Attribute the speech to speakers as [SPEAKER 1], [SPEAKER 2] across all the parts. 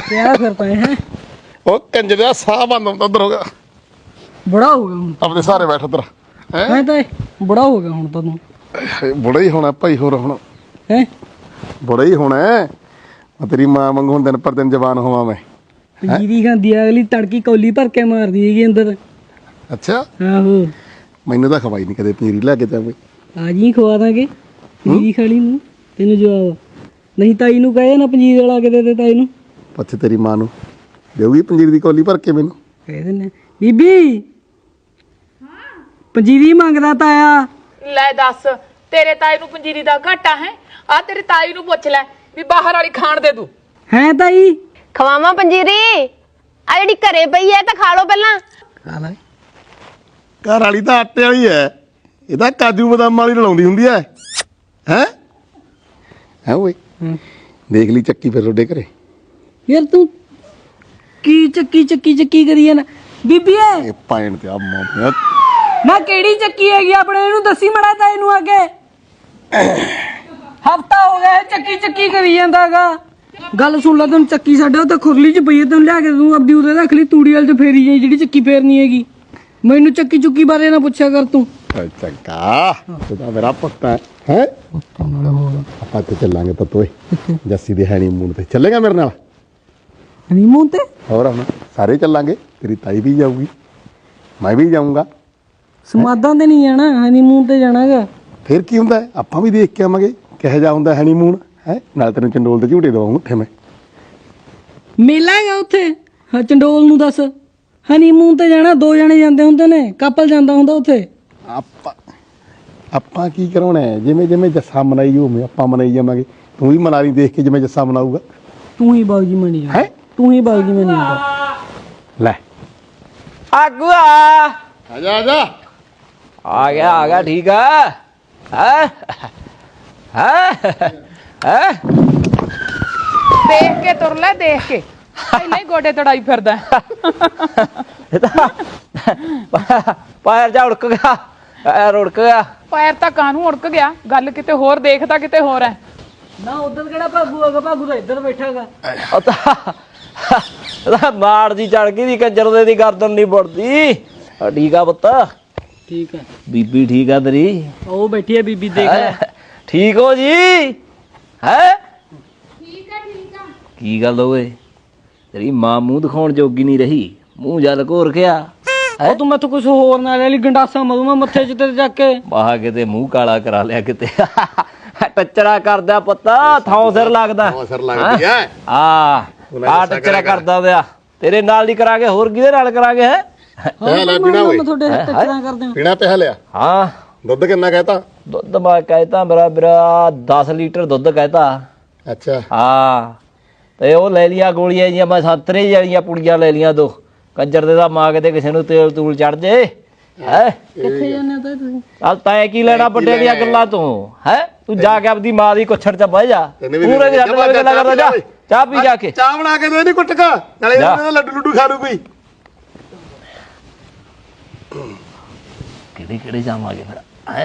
[SPEAKER 1] क्या करता है
[SPEAKER 2] ਉਹ ਕੰਜਰ ਦਾ ਸਾਹ ਬੰਦ ਹੁੰਦਾ ਉਧਰ ਹੋ ਗਿਆ
[SPEAKER 1] बड़ा हो गया हूँ
[SPEAKER 2] ਆਪਣੇ ਸਾਰੇ ਬੈਠ ਉਧਰ ਹੈ
[SPEAKER 1] मैं तो बड़ा हो गया हूँ तो तू
[SPEAKER 2] ਬੁੜਾ ਹੀ ਹੋਣਾ ਭਾਈ ਹੋਰ ਹੁਣ
[SPEAKER 1] है
[SPEAKER 2] ਬੁੜਾ ਹੀ ਹੋਣਾ ਮੈਂ ਤੇਰੀ ਮਾਂ ਵਾਂਗੂ ਹੁਣ ਦਿਨ ਪਰ ਦਿਨ ਜਵਾਨ ਹੋਵਾਂ ਮੈਂ
[SPEAKER 1] जीरी खांदी अगली तड़की कौली भर के मार दी है अंदर
[SPEAKER 2] ਅੱਛਾ
[SPEAKER 1] आहो
[SPEAKER 2] ਮੈਨੂੰ ਤਾਂ ਖਵਾਈ ਨਹੀਂ ਕਦੇ ਪਨੀਰੀ ਲੈ ਕੇ ਜਾਵੇਂ
[SPEAKER 1] आज ही खवा देंगे जीरी खाली नू तेन जवाब नहीं ताई नू कहे ना पंजीर वाला के दे दे ताई नू
[SPEAKER 2] ਪੁੱਛ ਤੇਰੀ ਮਾਂ ਨੂੰ ਦੇਊਗੀ ਪੰਜੀਰ ਦੀ ਕੌਲੀ ਭਰ ਕੇ ਮੈਨੂੰ
[SPEAKER 1] कह देने बीबी पंजीरी मंगदा ताया
[SPEAKER 3] ਲੈ ਦੱਸ ਤੇਰੇ ਤਾਈ ਨੂੰ ਪੰਜੀਰੀ ਦਾ ਘਾਟਾ ਹੈ ਆ ਤੇਰੀ ਤਾਈ ਨੂੰ ਪੁੱਛ ਲੈ ਵੀ ਬਾਹਰ ਵਾਲੀ ਖਾਣ ਦੇ ਦੂ
[SPEAKER 1] है ताई
[SPEAKER 4] ਖਵਾਵਾਂ ਪੰਜੀਰੀ ਆ ਜਿਹੜੀ ਘਰੇ ਪਈ ਐ ਤਾਂ ਖਾ ਲਓ ਪਹਿਲਾਂ
[SPEAKER 1] खा ले
[SPEAKER 2] ਘਰ ਵਾਲੀ ਤਾਂ ਆਟੇ ਵਾਲੀ ਹੈ ਇਹ ਤਾਂ ਕਾਜੂ ਬਦਾਮ ਵਾਲੀ ਰਲਾਉਂਦੀ ਹੁੰਦੀ ਹੈ ਹੈ ਹੈ ਓਏ ਦੇਖ ਲਈ ਚੱਕੀ ਫਿਰ ਤੁਹਾਡੇ ਘਰੇ
[SPEAKER 1] यार तू की चक्की चक्की चक्की करी है ना बीबी है
[SPEAKER 2] ਇਹ ਪਾਇਣ ਤੇ ਆ ਮਾਂ
[SPEAKER 1] ना केड़ी चक्की हैगी अपने इनू दसी मड़ा ता इनू आगे हफ्ता हो गया है चक्की चक्की करी जांदागा गल सुन ला तैनूं चक्की साडे उत्ते खुरली च पई है तैनूं लिया के तूं अपनी उरे रख ली तूड़ी वाल च फेरी जाई जेहड़ी चक्की फेरनी हैगी मैनू चक्की चुक्की बारे ना पुछया कर तू
[SPEAKER 2] ਚੰਗਾ ਤੂੰ ਤਾਂ ਮੇਰਾ ਪੁੱਤ ਹੈ ਆਪਾਂ ਤੇ ਚੱਲਾਂਗੇ ਪੁੱਤ ਓਏ ਜੱਸੀ ਦੇ ਹੈਨੀਮੂਨ ਤੇ ਚੱਲੇਗਾ ਮੇਰੇ ਨਾਲ
[SPEAKER 1] हनीमून ते
[SPEAKER 2] ਹੋਰ ਹੁਣ ਸਾਰੇ ਚੱਲਾਂਗੇ ਤੇਰੀ ਤਾਈ ਵੀ ਜਾਊਗੀ ਮੈਂ ਵੀ ਜਾਊਂਗਾ
[SPEAKER 1] समाधान ते नहीं जाना हनीमून ते जानागा
[SPEAKER 2] ਫਿਰ ਕੀ ਹੁੰਦਾ ਆਪਾਂ ਵੀ ਦੇਖ ਕੇ ਆਵਾਂਗੇ ਕਿਹੋ ਜਿਹਾ ਹੁੰਦਾ ਹੈਨੀਮੂਨ ਹੈ ਨਾਲ ਤੈਨੂੰ ਚੰਡੋਲ ਦੇ ਝੂਟੇ ਦਵਾਉਂਗਾ ਉੱਥੇ ਮੈਂ
[SPEAKER 1] मेला हैगा उत्थे हाँ चंडोल नूं दस हनीमून ते जाना दो जने जांदे हुंदे ने कपल जांदा हुंदा उत्थे
[SPEAKER 2] ਆਪਾਂ ਆਪਾਂ ਕੀ ਕਰਾਉਣਾ ਹੈ ਜਿਵੇਂ ਜਿਵੇਂ ਜੱਸਾ ਮਨਾਈ ਹੋਵੇ ਆਪਾਂ ਮਨਾਈ ਜਾਵਾਂਗੇ ਤੂੰ ਵੀ ਮਨਾ ਲਈ ਦੇਖ ਕੇ ਜਿਵੇਂ ਜੱਸਾ ਮਨਾਊਗਾ
[SPEAKER 1] तू ही बाबूजी मनी
[SPEAKER 2] ਹੈ
[SPEAKER 1] तू ही बाबूजी मनी
[SPEAKER 2] ਲੈ
[SPEAKER 5] आगू आ
[SPEAKER 2] ਆ ਜਾ
[SPEAKER 5] आ गया ठीक है हैं
[SPEAKER 3] ਦੇਖ ਕੇ ਤੁਰ ਲੈ ਦੇਖ ਕੇ ਪਹਿਲਾਂ ਹੀ ਗੋਡੇ ਤੜਾਈ ਫਿਰਦਾ
[SPEAKER 5] पैर जा उड़क गया पैर उड़क गया
[SPEAKER 3] ਪੈਰ ਤਾਂ ਕਾਹਨੂੰ ਉੜਕ ਗਿਆ ਗੱਲ ਕਿਤੇ ਹੋਰ ਦੇਖਦਾ ਕਿਤੇ ਹੋਰ ਹੈ
[SPEAKER 1] ना उधर केड़ा भागू आगा भागू तो इधर बैठागा
[SPEAKER 5] मार दी चढ़ गई कंजर दे दी गर्दन नहीं बढ़ती ठीक है पुत्त
[SPEAKER 1] ठीक है
[SPEAKER 5] बीबी ठीक है तेरी
[SPEAKER 1] ओ बैठी है बीबी देख ले
[SPEAKER 5] ठीक हो जी है की गल होए तेरी मां मुंह दिखाउण जोगी नहीं रही मुंह जल घोर गया
[SPEAKER 1] ओ तू मैं तो कुछ होर ना ले ली गंडासा मरूंगा मत्थे च तेरे जाके
[SPEAKER 5] ਬਾਹ ਕਿਤੇ ਮੂੰਹ ਕਾਲਾ ਕਰਾ ਲਿਆ ਕਿਤੇ ਟੱਚਰਾ ਕਰਦਾ ਪੁੱਤ ਥਾਂ ਸਿਰ ਲੱਗਦਾ
[SPEAKER 2] ਥਾਂ ਸਿਰ ਲੱਗਦੀ ਐ।
[SPEAKER 5] ਆ ਟੱਚਰਾ ਕਰਦਾ ਵਿਆ ਤੇਰੇ ਨਾਲ ਨਹੀਂ ਕਰਾਂਗੇ ਹੋਰ ਕਿਹਦੇ ਨਾਲ ਕਰਾਂਗੇ ਹੈ
[SPEAKER 2] ਪਿਆ ਲੈ ਪੀਣਾ ਓਏ
[SPEAKER 1] मैं थोड़े टचरा कर दूं
[SPEAKER 2] ਪੀਣਾ ਪਿਆ ਲਿਆ
[SPEAKER 5] ਹਾਂ
[SPEAKER 2] ਦੁੱਧ ਕਿੰਨਾ ਕਹਿਤਾ
[SPEAKER 5] ਦੁੱਧ ਮੈਂ ਕਹਿਤਾ ਮੇਰਾ 10 ਲੀਟਰ ਦੁੱਧ ਕਹਿਤਾ
[SPEAKER 2] ਅੱਛਾ
[SPEAKER 5] ਹਾਂ ਤੇ ਉਹ ਲੈ ਲਿਆ ਗੋਲੀਆਂ ਜੀਆਂ ਮੈਂ ਸੰਤਰੇ ਜਿਹੜੀਆਂ ਪੁੜੀਆਂ ਲੈ ਲੀਆਂ ਦੋ ਕੰਜਰ ਦੇ ਦਾ ਮਾਂ ਕਿਤੇ ਕਿਸੇ ਨੂੰ ਤੇਲ ਤੂਲ ਚੜ ਜੇ ਹੈ
[SPEAKER 1] किथे जाने ता तू
[SPEAKER 5] ਚੱਲ ਤੈਂ ਕੀ ਲੈਣਾ ਵੱਡੇ ਦੀਆਂ ਗੱਲਾਂ ਤੋਂ ਹੈ ਤੂੰ ਜਾ ਕੇ ਆਪਦੀ ਮਾਂ ਦੀ ਕੁੱਛੜ ਚ ਬਹਿ ਜਾ ਪੂਰੇ ਦੇ ਹੱਥ ਨਾਲ ਗੱਲਾਂ ਕਰਦਾ ਜਾ ਚਾਹ ਪੀ ਜਾ ਕੇ
[SPEAKER 2] ਚਾਹ ਬਣਾ ਕੇ ਦੇ ਨਹੀਂ ਕੁੱਟਕਾ ਨਾਲੇ ਇਹਨਾਂ ਦਾ ਲੱਡੂ ਲੁੱਡੂ ਖਾ ਲੂ ਕੋਈ
[SPEAKER 5] ਕਿਹੜੇ ਜਾਵਾਂਗੇ ਫਿਰ ਹੈ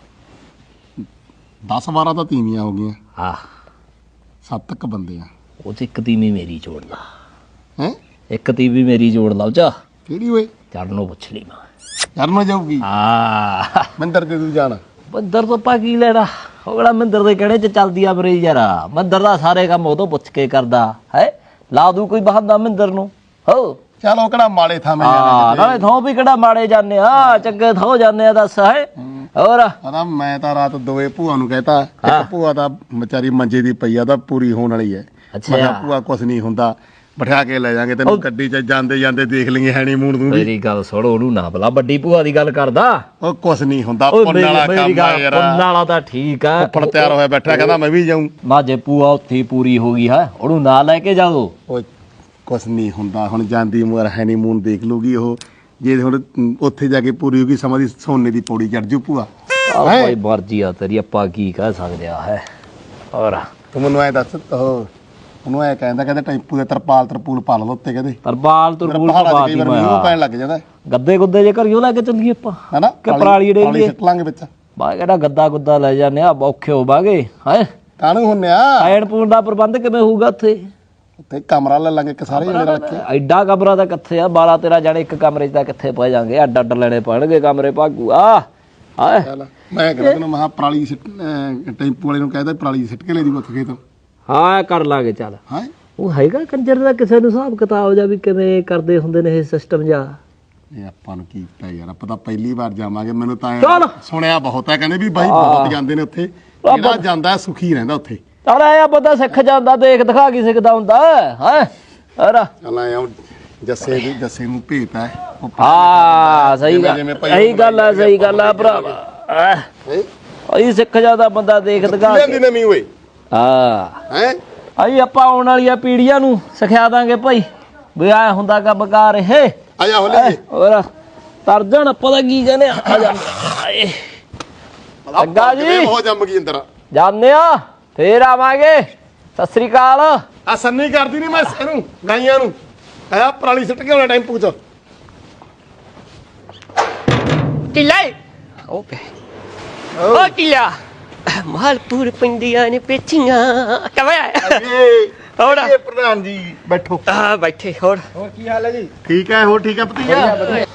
[SPEAKER 2] 10 12 ਤਾਂ ਤੀਵੀਆਂ ਹੋ ਗਈਆਂ
[SPEAKER 5] ਹਾਂ
[SPEAKER 2] 7 ਤੱਕ ਬੰਦੇ ਆ
[SPEAKER 5] ਉਹ ਚ ਇੱਕ ਤੀਵੀਂ ਮੇਰੀ ਜੋੜ ਲਾ
[SPEAKER 2] ਹੈ
[SPEAKER 5] ਇੱਕ ਤੀਵੀਂ ਮੇਰੀ ਜੋੜ ਲਾ ਉਹ ਚ
[SPEAKER 2] ਕਿਹੜੀ ਓਏ
[SPEAKER 5] ਚੜਨੋਂ ਪੁੱਛ ਲਈ ਮੈਂ
[SPEAKER 2] ਕਰਨ ਜਾਊਗੀ
[SPEAKER 5] ਹਾਂ
[SPEAKER 2] ਮੰਦਰ ਤੇ ਤੂੰ ਜਾਣਾ
[SPEAKER 5] ਮੰਦਰ ਤੋਂ ਪਾ ਕੀ ਲੈਣਾ ਉਹ ਕਿਹੜਾ ਮੰਦਰ ਦੇ ਕਿਹੜੇ ਚ ਚੱਲਦੀ ਆ ਮਰੇ ਯਾਰ ਮੰਦਰ ਦਾ ਸਾਰੇ ਕੰਮ ਉਹ ਤੋਂ ਪੁੱਛ ਕੇ ਕਰਦਾ ਹੈ ਲਾ ਦੂ ਕੋਈ ਬਹਾਨਾ ਮੰਦਰ ਨੂੰ ਹੋ
[SPEAKER 2] ਚੱਲ ਉਹ ਕਿਹੜਾ ਮਾੜੇ ਥਾਵੇਂ
[SPEAKER 5] ਹਾਂ
[SPEAKER 2] ਜਾਣਾ
[SPEAKER 5] ਨਾਲੇ ਥੋਂ ਵੀ ਕਿਹੜਾ ਮਾੜੇ ਜਾਂਦੇ ਆ ਚੰਗੇ ਥੋਂ ਜਾਂਦੇ ਆ ਦੱਸ ਹੈ ਹੋਰ
[SPEAKER 2] ਪਤਾ ਮੈਂ ਤਾਂ ਰਾਤ ਦੋਏ ਭੂਆ ਨੂੰ ਕਹਿਤਾ ਇੱਕ ਭੂਆ ਦਾ ਵਿਚਾਰੀ ਮੰਜੇ ਦੀ ਪਈ ਆ ਤਾਂ ਪੂਰੀ ਹੋਣ ਵਾਲੀ ਹੈ
[SPEAKER 5] ਅੱਛਾ।
[SPEAKER 2] ਮੈਂ ਕਿਹਾ ਭੂਆ ਕੁਛ ਨਹੀਂ ਹੁੰਦਾ ਬਿਠਾ ਕੇ ਲੈ ਜਾਾਂਗੇ ਤੈਨੂੰ ਗੱਡੀ 'ਚ ਜਾਂਦੇ ਜਾਂਦੇ ਦੇਖ ਲਈਏ ਹੈਨੀਮੂਨ ਤੂੰ ਵੀ
[SPEAKER 5] ਮੇਰੀ ਗੱਲ ਸੁਣ ਉਹਨੂੰ ਨਾ ਭਲਾ ਵੱਡੀ ਭੂਆ ਦੀ ਗੱਲ ਕਰਦਾ
[SPEAKER 2] ਉਹ ਕੁਛ ਨਹੀਂ ਹੁੰਦਾ
[SPEAKER 5] ਓਏ
[SPEAKER 2] ਪੁੰਨ ਵਾਲਾ
[SPEAKER 5] ਮੇਰੀ
[SPEAKER 2] ਕੰਮ ਆ
[SPEAKER 5] ਗੱਲ
[SPEAKER 2] ਯਾਰ
[SPEAKER 5] ਪੁੰਨ ਵਾਲਾ ਤਾਂ ਠੀਕ ਆ
[SPEAKER 2] ਉੱਪਰ ਤਿਆਰ ਹੋਇਆ ਬੈਠਾ ਕਹਿੰਦਾ ਮੈਂ ਵੀ ਜਾਊਂ
[SPEAKER 5] ਮਾਝੇ ਭੂਆ ਉੱਥੇ ਹੀ ਪੂਰੀ ਹੋ ਗਈ ਹੈ ਉਹਨੂੰ ਨਾ ਲੈ ਕੇ ਜਾਓ
[SPEAKER 2] ਓਏ ਕੁਛ ਨਹੀਂ ਹੁੰਦਾ ਹੁਣ ਜਾਂਦੀ ਉਮਰ ਹੈਨੀਮੂਨ ਦੇਖ ਲੂਗੀ ਉਹ ਜੇ ਹੁਣ ਉੱਥੇ ਜਾ ਕੇ ਪੂਰੀ ਹੋ ਗਈ ਸਮਾਂ ਦੀ ਸੋਨੇ ਦੀ ਪੌੜੀ ਚੜ ਜੂ ਭੂਆ
[SPEAKER 5] ਆ ਭਾਈ ਮਰਜ਼ੀ ਆ ਤੇਰੀ ਆਪਾਂ ਕੀ ਕਹਿ ਸਕਦੇ ਆ ਹੈ ਹੋਰ
[SPEAKER 2] ਤੂੰ ਮੈਨੂੰ ਐ ਦੱਸ ਉਹ ਉਹਨੂੰ ਐ ਕਹਿੰਦਾ ਟੈਂਪੂ ਦੇ ਤਰਪੂਲ ਪਾ ਲਓ ਉੱਤੇ ਕਹਿੰਦੇ
[SPEAKER 5] ਤਰਪਾਲ ਤੁਰਪੂਲ
[SPEAKER 2] ਪਹਾੜਾਂ 'ਚ
[SPEAKER 5] ਪਾ
[SPEAKER 2] ਕਈ
[SPEAKER 5] ਦੀ
[SPEAKER 2] ਵਾਰ ਮੀਂਹ ਪੈਣ ਲੱਗ ਜਾਂਦਾ
[SPEAKER 5] ਗੱਦੇ ਗੁੱਦੇ ਜੇ ਘਰਿਓ ਲੈ ਕੇ ਚੱਲੀਏ ਆਪਾਂ
[SPEAKER 2] ਹੈਨਾ
[SPEAKER 5] ਕਿ ਪਰਾਲੀ ਡੇਲੀਏ
[SPEAKER 2] ਸਿੱਟ ਲਾਂਗੇ ਵਿੱਚ
[SPEAKER 5] ਬਾ ਕਿਹੜਾ ਗੱਦਾ ਗੁੱਦਾ ਲੈ ਜਾਂਦੇ ਆ ਔਖੇ ਹੋਵਾਂਗੇ ਹੈ
[SPEAKER 2] ਕਾਹਨੂੰ ਹੁੰਨੇ ਆ
[SPEAKER 5] ਖਾਣ ਪੂਣ ਦਾ ਪ੍ਰਬੰਧ ਕਿਵੇਂ ਹੋਊਗਾ ਉੱਥੇ
[SPEAKER 2] ਉੱਥੇ ਕਮਰਾ ਲੈ ਲਾਂਗੇ ਇੱਕ ਸਾਰੇ ਜਣੇ ਰਲ ਕੇ।
[SPEAKER 5] ਐਡਾ ਕਮਰਾ ਤਾਂ ਕਿੱਥੇ ਆ, ਬਾਲਾ ਤੇਰਾ ਜਾਣੇ ਇੱਕ ਕਮਰੇ 'ਚ ਤਾਂ ਕਿੱਥੇ ਪੈ ਜਾਣਗੇ, ਅੱਡ ਅੱਡ ਲੈਣੇ ਪੈਣਗੇ ਕਮਰੇ ਭਾਗੂ ਆ।
[SPEAKER 2] ਚੱਲ ਮੈਂ ਕਹਿੰਦਾ ਤੈਨੂੰ ਮਹਾ ਪਰਾਲੀ ਟੈਂਪੂ ਵਾਲੇ ਨੂੰ ਕਹਿੰਦਾ ਪਰਾਲੀ ਸਿੱਟ ਕੇ ਲੈ ਦੀ ਉੱਥੇ ਖੇਤ।
[SPEAKER 5] ਹਾਂ ਕਰ ਲਾਂਗੇ ਚੱਲ।
[SPEAKER 2] ਹਾਂ
[SPEAKER 5] ਉਹ ਹੈਗਾ ਕੰਜਰ ਦਾ ਕਿਸੇ ਨੂੰ ਹਿਸਾਬ ਕਿਤਾਬ ਜਾਂ ਵੀ ਕਿਵੇਂ ਕਰਦੇ ਹੁੰਦੇ ਨੇ ਇਹ ਸਿਸਟਮ ਜਾਂ?
[SPEAKER 2] ਇਹ ਆਪਾਂ ਨੂੰ ਕੀ ਪਤਾ ਯਾਰ, ਆਪਾਂ ਤਾਂ ਪਹਿਲੀ ਵਾਰ ਜਾਵਾਂਗੇ। ਮੈਨੂੰ ਤਾਂ
[SPEAKER 5] ਚੱਲ।
[SPEAKER 2] ਸੁਣਿਆ ਬਹੁਤ ਹੈ, ਕਹਿੰਦੇ ਵੀ ਬਾਈ ਬਹੁਤ ਜਾਂਦੇ ਨੇ ਉੱਥੇ, ਜਿਹੜਾ ਜਾਂਦਾ ਸੁਖੀ ਰਹਿੰਦਾ ਉੱਥੇ।
[SPEAKER 5] ਚੱਲ ਐ ਬੰਦਾ ਸਿੱਖ ਜਾਂਦਾ, ਦੇਖ ਦਿਖਾ ਕੀ ਸਿੱਖਦਾ ਹੁੰਦਾ ਹੈ।
[SPEAKER 2] ਚੱਲ ਆਇਆ ਜੱਸੇ ਨੂੰ ਭੇਤ ਹੈ।
[SPEAKER 5] ਹਾਂ ਸਹੀ ਗੱਲ, ਸਹੀ ਗੱਲ ਆ, ਸਹੀ ਗੱਲ ਆ ਭਰਾਵਾ। ਅਈ ਸਿੱਖ ਜਾਂਦਾ ਬੰਦਾ, ਦੇਖ ਦਿਖਾ
[SPEAKER 2] ਲੈਂਦੀ ਨਵੀਂ ਓਏ।
[SPEAKER 5] ਹਾਂ
[SPEAKER 2] ਹੈ
[SPEAKER 5] ਅਈ ਆਪਾਂ ਆਉਣ ਵਾਲੀਆਂ ਪੀੜ੍ਹੀਆਂ ਨੂੰ ਸਿਖਾ ਦਾਂਗੇ ਭਾਈ ਵੀ ਆ ਹੁੰਦਾ ਕੰਮ ਬਕਾਰ ਇਹ।
[SPEAKER 2] ਆ ਜਾ ਹੋ ਲੈ
[SPEAKER 5] ਹੋਰ ਤਰਜਣ ਪਤਾ ਕੀ ਕਹਿੰਦੇ ਆ ਜਾਂਦੇ ਅੱਗਾ ਜੀ
[SPEAKER 2] ਬਹੁਤ ਜੰਮ ਗਈ ਅੰਦਰ।
[SPEAKER 5] ਜਾਂਦੇ ਆ ਫੇਰ ਆਵਾਂਗੇ। ਸਤਿ ਸ੍ਰੀ ਅਕਾਲ।
[SPEAKER 2] ਆ ਸੰਨੀ ਕਰਦੀ ਨਹੀਂ ਮੈਂ ਇਹਨੂੰ ਗਾਈਆਂ ਨੂੰ ਆਇਆ ਪਰਾਲੀ ਸਿੱਟ ਕੇ ਆਉਣਾ ਟੈਂਪੂ 'ਚ।
[SPEAKER 6] ਟਿੱਲੇ ਓਕੇ ਓ ਟਿੱਲਾ ਮਾਲਪੁਰ ਪਿੰਡੀਆਂ ਨੇ ਪੇਚੀਆਂ ਕਵੇਂ ਹੋਰ
[SPEAKER 2] ਇਹ ਪ੍ਰਧਾਨ ਜੀ ਬੈਠੋ।
[SPEAKER 6] ਆ ਬੈਠੇ ਹੋਰ
[SPEAKER 2] ਕੀ ਹਾਲ ਹੈ ਜੀ? ਠੀਕ ਹੈ, ਹੋਰ ਠੀਕ ਹੈ ਭਤੀਜਾ?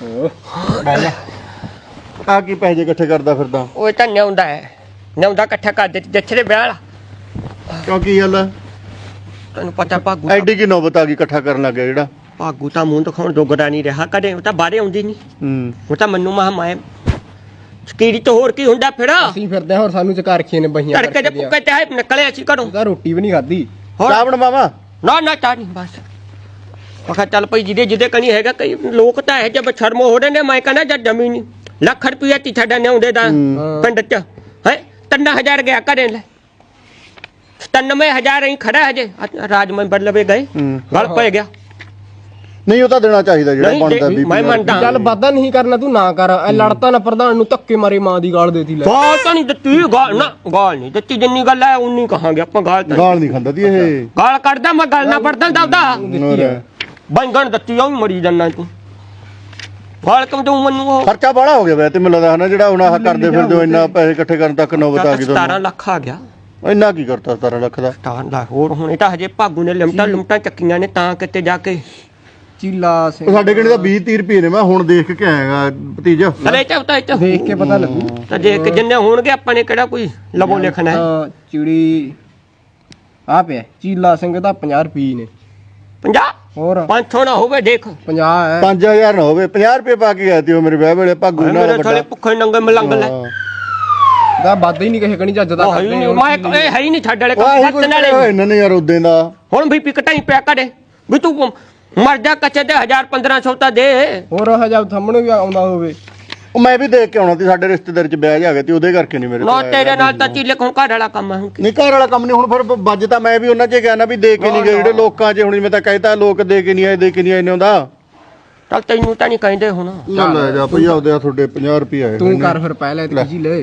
[SPEAKER 2] ਆ ਕੀ ਪੈਸੇ ਇਕੱਠੇ ਕਰਦਾ ਫਿਰਦਾ?
[SPEAKER 6] ਉਹ ਤਾਂ ਨਿਆਉਂਦਾ ਹੈ, ਨਿਆਉਂਦਾ ਇਕੱਠਾ ਕਰ ਦਿੱਤੀ ਜੱਥੇ ਦੇ ਵਿਆਹ ਵਾਲਾ।
[SPEAKER 2] ਕਿਉਂ ਕੀ ਗੱਲ ਹੈ?
[SPEAKER 6] ਤੈਨੂੰ ਪਤਾ ਭਾਗੂ
[SPEAKER 2] ਐਡੀ ਕੀ ਨੌਬਤ ਆ ਗਈ ਇਕੱਠਾ ਕਰਨ ਲੱਗ ਗਿਆ ਜਿਹੜਾ?
[SPEAKER 6] ਭਾਗੂ ਤਾਂ ਮੂੰਹ ਦਿਖਾਉਣ ਜੋਗਰਾ ਨਹੀਂ ਰਿਹਾ ਕਦੇ, ਉਹ ਤਾਂ ਬਾਹਰੇ ਆਉਂਦੀ ਨਹੀਂ। ਉਹ ਤਾਂ ਮੈਨੂੰ ਮਹਾ ਮਾਏ ਸਕੀਰੀ ਤੋਂ ਹੋਰ ਕੀ ਹੁੰਦਾ ਫਿਰ?
[SPEAKER 1] ਅਸੀਂ ਫਿਰਦੇ ਹੋਰ ਸਾਨੂੰ ਚਕਾ ਰੱਖੀਆਂ ਨੇ ਬਹੀਆਂ
[SPEAKER 6] ਤੜਕੇ ਦੇ ਪੁੱਕੇ ਤੇ ਨਿਕਲੇ ਅਸੀਂ ਘਰੋਂ।
[SPEAKER 1] ਤਾਂ ਰੋਟੀ ਵੀ ਨਹੀਂ ਖਾਧੀ।
[SPEAKER 2] ਚਾਹ ਬਣਵਾਵਾਂ?
[SPEAKER 6] ਨਾ ਨਾ ਚਾਹ ਨਹੀਂ ਬਸ। ਮੈਂ ਕਿਹਾ ਚੱਲ ਭਾਈ ਜਿਹਦੇ ਕਣੀ ਹੈਗਾ, ਕਈ ਲੋਕ ਤਾਂ ਇਹ ਜਬ ਸ਼ਰਮ ਹੋ ਰਹੇ ਨੇ। ਮੈਂ ਕਹਿੰਦਾ ਜਦ ਜਮੀ ਨਹੀਂ ਲੱਖ ਰੁਪਇਆ ਤੀ ਸਾਡਾ ਨਿਆਉਂਦੇ ਦਾ ਪਿੰਡ ਚ ਹੈ 3000 ਗਿਆ ਘਰੇ ਲੈ 97000 ਹੀ ਖੜਾ ਹਜੇ ਰਾਜ ਮੈਂਬਰ ਲਵੇ ਗਏ ਗਲ ਪੈ ਗਿਆ।
[SPEAKER 2] ਨਹੀਂ ਉਹ ਤਾਂ ਦੇਣਾ ਚਾਹੀਦਾ ਜਿਹੜਾ
[SPEAKER 6] ਨਹੀਂ,
[SPEAKER 2] ਬਣਦਾ ਵੀ।
[SPEAKER 6] ਮੈਂ ਮੰਨਦਾ
[SPEAKER 1] ਚੱਲ ਵਾਦਾ ਨਹੀਂ ਕਰਨਾ, ਤੂੰ ਨਾ ਕਰ। ਐ ਲੜਤਾ ਨਾ ਪ੍ਰਧਾਨ ਨੂੰ ਧੱਕੇ ਮਾਰੇ ਮਾਂ ਦੀ ਗਾਲ ਦੇਤੀ ਲੈ।
[SPEAKER 6] ਗਾਲ ਤਾਂ ਨਹੀਂ ਦਿੱਤੀ, ਗਾਲ ਨਾ ਗਾਲ ਨਹੀਂ ਦਿੱਤੀ। ਜਿੰਨੀ ਗੱਲ ਹੈ ਉਨੀ ਕਹਾਂਗੇ ਆਪਾਂ। ਗਾਲ ਤਾਂ
[SPEAKER 2] ਗਾਲ ਨਹੀਂ ਖਾਂਦਾ ਦੀ ਇਹ।
[SPEAKER 6] ਗਾਲ ਕੱਢਦਾ ਮੈਂ, ਗੱਲ ਨਾ ਪੜਦਾ ਦਵਦਾ
[SPEAKER 2] ਹੋਰ
[SPEAKER 6] ਬੰਗਣ ਦਿੱਤੀ ਉਹ ਵੀ ਮਰੀ ਜਾਂਦਾ ਤੂੰ। ਗਾਲ ਕਿਉਂ ਦਊਂ ਮੈਨੂੰ? ਉਹ
[SPEAKER 2] ਖਰਚਾ ਬੜਾ ਹੋ ਗਿਆ ਵੈ ਤੇ ਮੈਨੂੰ ਲੱਗਦਾ ਹਨਾ ਜਿਹੜਾ ਹੁਣ ਆਹ ਕਰਦੇ ਫਿਰਦੇ ਹੋ ਇੰਨਾ ਪੈਸੇ ਇਕੱਠੇ ਕਰਨ ਤੱਕ ਨੌਬਤ ਆ ਗਈ
[SPEAKER 6] 17
[SPEAKER 2] ਤੁਹਾਨੂੰ।
[SPEAKER 6] ਲੱਖ ਆ ਗਿਆ।
[SPEAKER 2] ਇੰਨਾ ਕੀ ਕਰਤਾ 17 ਲੱਖ ਦਾ?
[SPEAKER 6] 17 ਲੱਖ ਹੋਰ ਹੁਣ ਇਹ ਤਾਂ ਹਜੇ ਭਾਗੂ ਨੇ ਲਿਮਟਾਂ ਚੱਕੀਆਂ ਨੇ ਤਾਂ ਕਿਤੇ ਜਾ ਕੇ।
[SPEAKER 1] ਚੀਲਾ ਸਿੰਘ
[SPEAKER 2] ਉਹ ਸਾਡੇ ਕਿਹੜੇ ਦਾ 20-30 ਰੁਪਏ ਨੇ। ਮੈਂ ਹੁਣ ਦੇਖ ਕੇ ਆਇਆਗਾ ਭਤੀਜਾ।
[SPEAKER 6] ਅਰੇ ਚਾਹਤਾ ਇਹ
[SPEAKER 1] ਦੇਖ ਕੇ ਪਤਾ ਲੱਗੂ।
[SPEAKER 6] ਤਾਂ ਦੇਖ ਕੇ ਜਿੰਨੇ ਹੋਣਗੇ ਆਪਾਂ ਨੇ ਕਿਹੜਾ ਕੋਈ ਲਵੋ ਲਿਖਣਾ ਹੈ।
[SPEAKER 1] ਤਾਂ ਚਿੜੀ ਆ ਪਿਆ ਚੀਲਾ ਸਿੰਘ ਦਾ 50 ਰੁਪਏ ਨੇ।
[SPEAKER 6] 50
[SPEAKER 1] ਹੋਰ
[SPEAKER 6] 500 ਨਾ ਹੋਵੇ ਦੇਖ
[SPEAKER 1] 50 ਹੈ।
[SPEAKER 2] 5000 ਨਾ ਹੋਵੇ 50 ਰੁਪਏ ਪਾ ਕੇ ਗਏ ਤੀ ਉਹ ਮੇਰੇ ਵਿਆਹ ਵੇਲੇ ਭਾਗੂ ਨਾਲ
[SPEAKER 6] ਮੇਰੇ ਥੋੜੇ ਭੁੱਖੇ ਨੰਗੇ ਮਲੰਗ ਲੈ
[SPEAKER 1] ਦਾ ਵਾਦਾ ਹੀ ਨਹੀਂ ਕਿਸੇ ਕਣੀ ਜੱਜ ਦਾ
[SPEAKER 6] ਉਹ ਹੈ ਹੀ ਨਹੀਂ। ਮੈਂ ਇਹ ਹੈ ਹੀ ਨਹੀਂ ਛੱਡ ਵਾਲੇ
[SPEAKER 2] ਆਹੀ
[SPEAKER 6] ਕੰਮ
[SPEAKER 2] ਕੁਝ
[SPEAKER 6] ਸੱਤ ਨਾਲੇ
[SPEAKER 2] ਇਹਨਾਂ ਨੇ ਯਾਰ ਉਦੋਂ ਦਾ।
[SPEAKER 6] ਹੁਣ ਵੀ ਪਿਕਟਾਂ ਹੀ ਪਿਆ ਕਰੇ ਵੀ ਤੂੰ ਮਰ ਜਾ ਕੱਚੇ ਦੇ 1000-1500 ਤਾਂ ਦੇ।
[SPEAKER 1] ਹੋਰ ਹਜਾ ਸਾਹਮਣੇ ਵੀ ਆਉਂਦਾ ਹੋਵੇ।
[SPEAKER 2] ਉਹ ਮੈਂ ਵੀ ਦੇਖ ਕੇ ਆਉਣਾ ਸੀ, ਸਾਡੇ ਰਿਸ਼ਤੇਦਾਰ ਚ ਵਿਆਹ ਜਾ ਗਿਆ ਤੇ ਉਹਦੇ ਕਰਕੇ ਨਹੀਂ ਮੇਰੇ
[SPEAKER 6] ਨਾ ਤੇਰੇ ਨਾਲ ਤਾਂ ਚੀਲੇ ਕੋਲ ਘਰ ਵਾਲਾ ਕੰਮ ਹੈ ਹੁਣ ਕੀ।
[SPEAKER 2] ਨਹੀਂ ਘਰ ਵਾਲਾ ਕੰਮ ਨਹੀਂ ਹੁਣ ਫਿਰ ਵੱਜ ਤਾਂ ਮੈਂ ਵੀ ਉਹਨਾਂ 'ਚ ਗਿਆ ਨਾ ਵੀ ਦੇ ਕੇ ਨਹੀਂ ਗਏ ਜਿਹੜੇ ਲੋਕਾਂ 'ਚ। ਹੁਣ ਮੈਂ ਤਾਂ ਕਹਿਤਾ ਲੋਕ ਦੇ ਕੇ ਨਹੀਂ ਆਏ, ਦੇ ਕੇ ਨਹੀਂ ਆਏ ਨੇ ਉਹਦਾ।
[SPEAKER 6] ਚੱਲ ਤੈਨੂੰ ਤਾਂ ਨਹੀਂ ਕਹਿੰਦੇ ਹੁਣ।
[SPEAKER 2] ਚੱਲ ਲੈ ਜਾ ਭਈਆ ਉਹਦੇ ਆ ਤੁਹਾਡੇ 50 ਰੁਪਏ ਆਏ
[SPEAKER 1] ਤੂੰ ਕਰ ਫਿਰ ਪਹਿਲੇ ਤੇ ਜੀ ਲੈ।